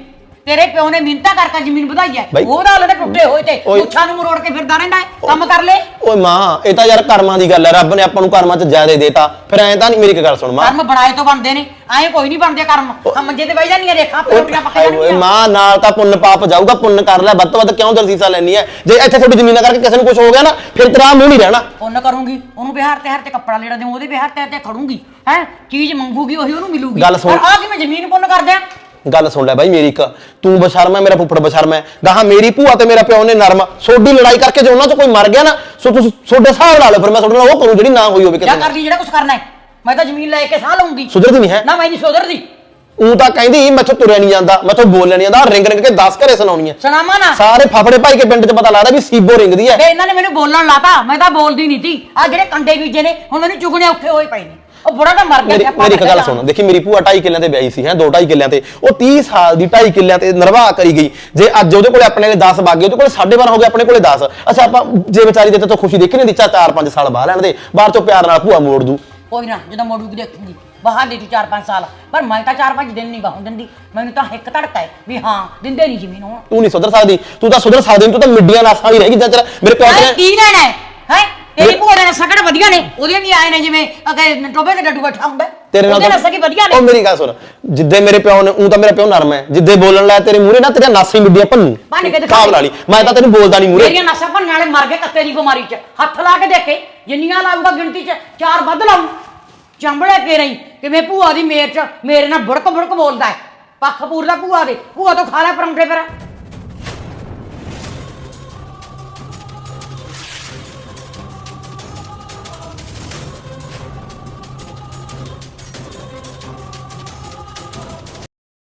S1: ਤੇਰੇ ਪਿਓ ਨੇ ਮਿਹਨਤਾਂ ਕਰਕੇ ਜ਼ਮੀਨ ਵਧਾਈ ਹੈ
S9: ਬਾਈ-
S1: ਉਹਦਾ ਹਲੇ ਤਾਂ ਟੁੱਟੇ ਹੋਏ ਤੇ
S9: ਓਏ-
S1: ਮੁੱਛਾਂ ਨੂੰ ਮਰੋੜ ਕੇ ਫਿਰਦਾ ਰਹਿੰਦਾ ਹੈ ਕੰਮ ਕਰ ਲੈ
S9: ਓਏ ਮਾਂ ਇਹ ਤਾਂ ਯਾਰ ਕਰਮਾਂ ਦੀ ਗੱਲ ਹੈ ਰੱਬ ਨੇ ਆਪਾਂ ਨੂੰ ਕਰਮਾਂ 'ਚ ਜ਼ਿਆਦਾ ਦੇਤਾ ਫਿਰ ਐਂ ਤਾਂ ਨਹੀਂ ਮੇਰੀ ਇੱਕ ਗੱਲ ਸੁਣ ਮਾਂ
S1: ਕਰਮ ਬਣਾਏ ਤੋਂ ਬਣਦੇ ਨੇ ਐਂ ਕੋਈ ਨਹੀਂ ਬਣਦੇ ਕਰਮ ਆ ਮੰਜੇ ਤੇ ਬਹਿ ਜਾਂਦੀਆਂ ਦੇਖਾਂ
S9: ਓਏ
S1: ਰੋਟੀਆਂ ਪੱਕ
S9: ਓਏ
S1: ਜਾਣਗੀਆਂ
S9: ਮਾਂ ਨਾਲ ਤਾਂ ਪੁੰਨ ਪਾਪ ਜਾਊਗਾ ਪੁੰਨ ਕਰ ਲੈ ਵੱਧ ਤੋਂ ਵੱਧ ਕਿਉਂ ਦਰਸੀਸਾ ਲੈਣੀ ਹੈ ਜੇ ਇੱਥੇ ਤੁਹਾਡੀ ਜ਼ਮੀਨਾਂ ਕਰਕੇ ਕਿਸੇ ਨੂੰ ਕੁਝ ਹੋ ਗਿਆ ਨਾ ਫਿਰ ਤੇਰਾ ਮੂੰਹ ਨਹੀਂ ਰਹਿਣਾ
S1: ਉਹਨ ਕਰੂੰਗੀ ਉਹਨੂੰ ਬਿਹਾਰ ਤੇ ਹਰ ਤੇ ਕੱਪੜਾ ਲੈਣਾ ਦੇਉ ਉਹਦੇ ਬਿਹਾਰ ਤੇ ਤੇ ਖੜੂੰਗੀ ਹੈ ਚੀਜ਼ ਮੰਗੂਗੀ ਉਹੀ ਉਹਨੂੰ ਮਿਲੂਗੀ
S9: ਗੱਲ ਸੁਣ।
S1: ਆ ਕਿ ਮੈਂ ਜ਼ਮੀਨ ਪੁੰਨ ਕਰ ਦਿਆਂ
S9: ਗੱਲ ਸੁਣ ਲੈ ਬਾਈ ਮੇਰੀ ਇੱਕ ਤੂੰ ਬਸ਼ਰਮ ਹੈ ਮੇਰਾ ਫੁੱਫੜ ਬਸ਼ਰਮ ਹੈ ਗਾਹਾਂ ਮੇਰੀ ਭੂਆ ਤੇ ਮੇਰਾ ਪਿਓ ਨੇ ਨਰਮ ਸੋਡੀ ਲੜਾਈ ਕਰਕੇ ਜੇ ਉਹਨਾਂ 'ਚ ਕੋਈ ਮਰ ਗਿਆ ਨਾ ਸੋ ਤੁਸੀਂ ਸੋਡੇ ਹਿਸਾਬ ਲਾ ਲਓ ਫਿਰ ਮੈਂ ਤੁਹਾਡੇ ਨਾਲ ਉਹ ਕਰੂੰ ਜਿਹੜੀ ਨਾ ਹੋਈ ਹੋਵੇ
S1: ਕਿਆ
S9: ਕਿਸੇ
S1: ਕਰ ਲਈ ਜਿਹੜਾ ਕੁਝ ਕਰਨਾ ਹੈ ਮੈਂ ਤਾਂ ਜ਼ਮੀਨ ਲੈ ਕੇ ਸਾਹ ਲਊਂਗੀ
S9: ਸੁਧਰਦੀ ਨਹੀਂ ਹੈ
S1: ਨਾ ਮੈਂ ਨਹੀਂ ਸੁਧਰਦੀ
S9: ਉਹ ਤਾਂ ਕਹਿੰਦੀ ਮੈਥੋਂ ਤੁਰਿਆ ਨਹੀਂ ਜਾਂਦਾ ਮੈਥੋਂ ਬੋਲਿਆ ਨਹੀਂ ਜਾਂਦਾ ਰਿੰਗ ਰਿੰਗ ਕੇ ਦਸ ਘਰੇ ਸੁਣਾਉਣੀ ਹੈ
S1: ਸੁਣਾਵਾਂ ਨਾ
S9: ਸਾਰੇ ਫਫੜੇ ਭਾਈ ਕੇ ਪਿੰਡ 'ਚ ਪਤਾ ਲੱਗਦਾ ਵੀ ਸੀਬੋ ਰਿੰਗਦੀ ਹੈ
S1: ਵੇ ਇਹਨਾਂ ਨੇ ਮੈਨੂੰ ਬੋਲਣ ਲਾਤਾ ਮੈਂ ਤਾਂ ਬੋਲਦੀ ਨਹੀਂ ਸੀ ਆ ਜਿਹੜੇ ਕੰਡੇ ਬੀਜੇ ਨੇ ਹੁਣ ਮੈਨੂੰ ਚੁਗਣੇ ਔਖੇ ਹੋਏ ਪਏ ਨੇ ਉਹ ਬੁੜਾ ਤਾਂ ਮਰ ਗਿਆ
S9: ਮੇਰੀ
S1: ਸਿਆਪਾ
S9: ਮੇਰੀ ਇੱਕ ਗੱਲ
S1: ਕੱਢਿਆ
S9: ਸੁਣ ਦੇਖੀ ਮੇਰੀ ਭੂਆ ਢਾਈ ਕਿੱਲਿਆਂ ਤੇ ਵਿਆਹੀ ਸੀ ਹੈ ਦੋ ਢਾਈ ਕਿੱਲਿਆਂ ਤੇ ਉਹ ਤੀਹ ਸਾਲ ਦੀ ਢਾਈ ਕਿੱਲਿਆਂ ਤੇ ਨਿਰਵਾਹ ਕਰੀ ਗਈ ਜੇ ਅੱਜ ਉਹਦੇ ਕੋਲੇ ਆਪਣੇ ਨੇ ਦਸ ਬਾਗੇ ਉਹਦੇ ਕੋਲੇ ਸਾਢੇ ਬਾਰਾਂ ਹੋ ਗਏ ਆਪਣੇ ਕੋਲੇ ਦਸ ਅੱਛਾ ਆਪਾਂ ਜੇ ਵਿਚਾਰੀ ਦੇ ਤੋਂ ਖੁਸ਼ੀ ਦੇਖੀ ਨਹੀਂ ਦਿੱਤਾ ਚਾਰ ਪੰਜ ਸਾਲ ਬਾਹਰ ਲੈਣ ਦੇ ਬਾਹਰ ਚੋਂ ਪਿਆਰ ਨਾਲ ਭੂਆ ਮੋੜ ਦੂ
S1: ਕੋਈ ਨਾ ਜਦੋਂ ਮੋੜੂਗੀ ਦੇਖੂਗੀ ਬਾਹਰ ਦੇ ਤੂੰ ਚਾਰ ਪੰਜ ਸਾਲ ਪਰ ਮੈਂ ਤਾਂ ਚਾਰ ਪੰਜ ਦਿਨ ਨਹੀਂ ਬਾਹੋਂ ਦਿੰਦੀ ਮੈਨੂੰ ਤਾਂ ਇੱਕ ਧੜਕਾ ਹੈ ਵੀ ਹਾਂ ਦਿੰਦੇ ਨਹੀਂ ਜ਼ਮੀਨ ਹੁਣ
S9: ਤੂੰ ਨਹੀਂ ਸੁਧਰ ਸਕਦੀ ਤੂੰ ਤਾਂ ਸੁਧਰ ਸਕਦੀ ਨਹੀਂ ਤੂੰ ਤਾਂ ਮਿੱਡੀਆਂ ਨਾਸਾਂ ਵਾਲੀ ਰਹਿ ਗਈ ਜਾਂ ਤੇਰਾ ਮੇਰੇ ਪਿਓ
S1: ਐ
S9: ਨੇ
S1: ਕੀ ਲੈਣਾ ਹੈ ਹੈ ਤੇਰੀ ਭੂਆ ਦੇ ਨਸਾਂ ਕਿਹੜੇ ਵਧੀਆ ਨੇ ਉਹਦੇ ਵੀ ਆਏ ਨੇ ਜਿਵੇਂ ਅਗੇ ਟੋਬੇ ਤੇ ਡੱਡੂ ਬੈਠਾ ਹੁੰਦਾ
S9: ਤੇਰੇ ਨਾਲ
S1: ਉਹਦੇ ਨਸਾਂ ਕੀ ਵਧੀਆ
S9: ਉਹ
S1: ਨੇ
S9: ਮੇਰੀ ਗੱਲ ਸੁਣ ਜਿੱਦੇ ਮੇਰੇ ਪਿਓ ਨੇ ਉਹ ਤਾਂ ਮੇਰਾ ਪਿਓ ਨਰਮ ਹੈ ਜਿੱਦੇ ਬੋਲਣ ਲੱਗਾ ਤੇਰੇ ਮੂਹਰੇ ਨਾ ਤੇਰੀਆਂ ਨਾਸਾਂ ਹੀ ਮਿੱਡੀਆਂ ਭੰਨੂ
S1: ਭੰਨ ਕੇ ਦਿਖਾ
S9: ਹਿਸਾਬ ਲਾ ਲਈ ਮੈਂ ਤਾਂ ਤੈਨੂੰ ਬੋਲਦਾ ਨਹੀਂ ਮੂਹਰੇ
S1: ਮੇਰੀਆਂ ਨਸਾਂ ਭੰਨਣ ਵਾਲੇ ਮਰ ਗਏ ਕੱਤੇ ਦੀ ਬਿਮਾਰੀ 'ਚ ਹੱਥ ਲਾ ਕੇ ਦੇਖੇ ਜਿੰਨੀਆਂ ਲਾਊਗਾ ਗਿਣਤੀ 'ਚ ਚਾਰ ਵੱਧ ਲਾਊ ਚੰਬੜੇ ਕੇ ਰਹੀ ਕਿਵੇਂ ਭੂਆ ਦੀ ਮੇਰ 'ਚ ਮੇਰੇ ਨਾਲ ਬੁੜਕ ਬੁੜਕ ਬੋਲਦਾ ਹੈ ਪੱਖ ਪੂਰਦਾ ਭੂਆ ਦੇ ਭੂਆ ਤੋਂ ਖਾ ਲੈ ਪਰੌਂਠੇ ਫਿਰ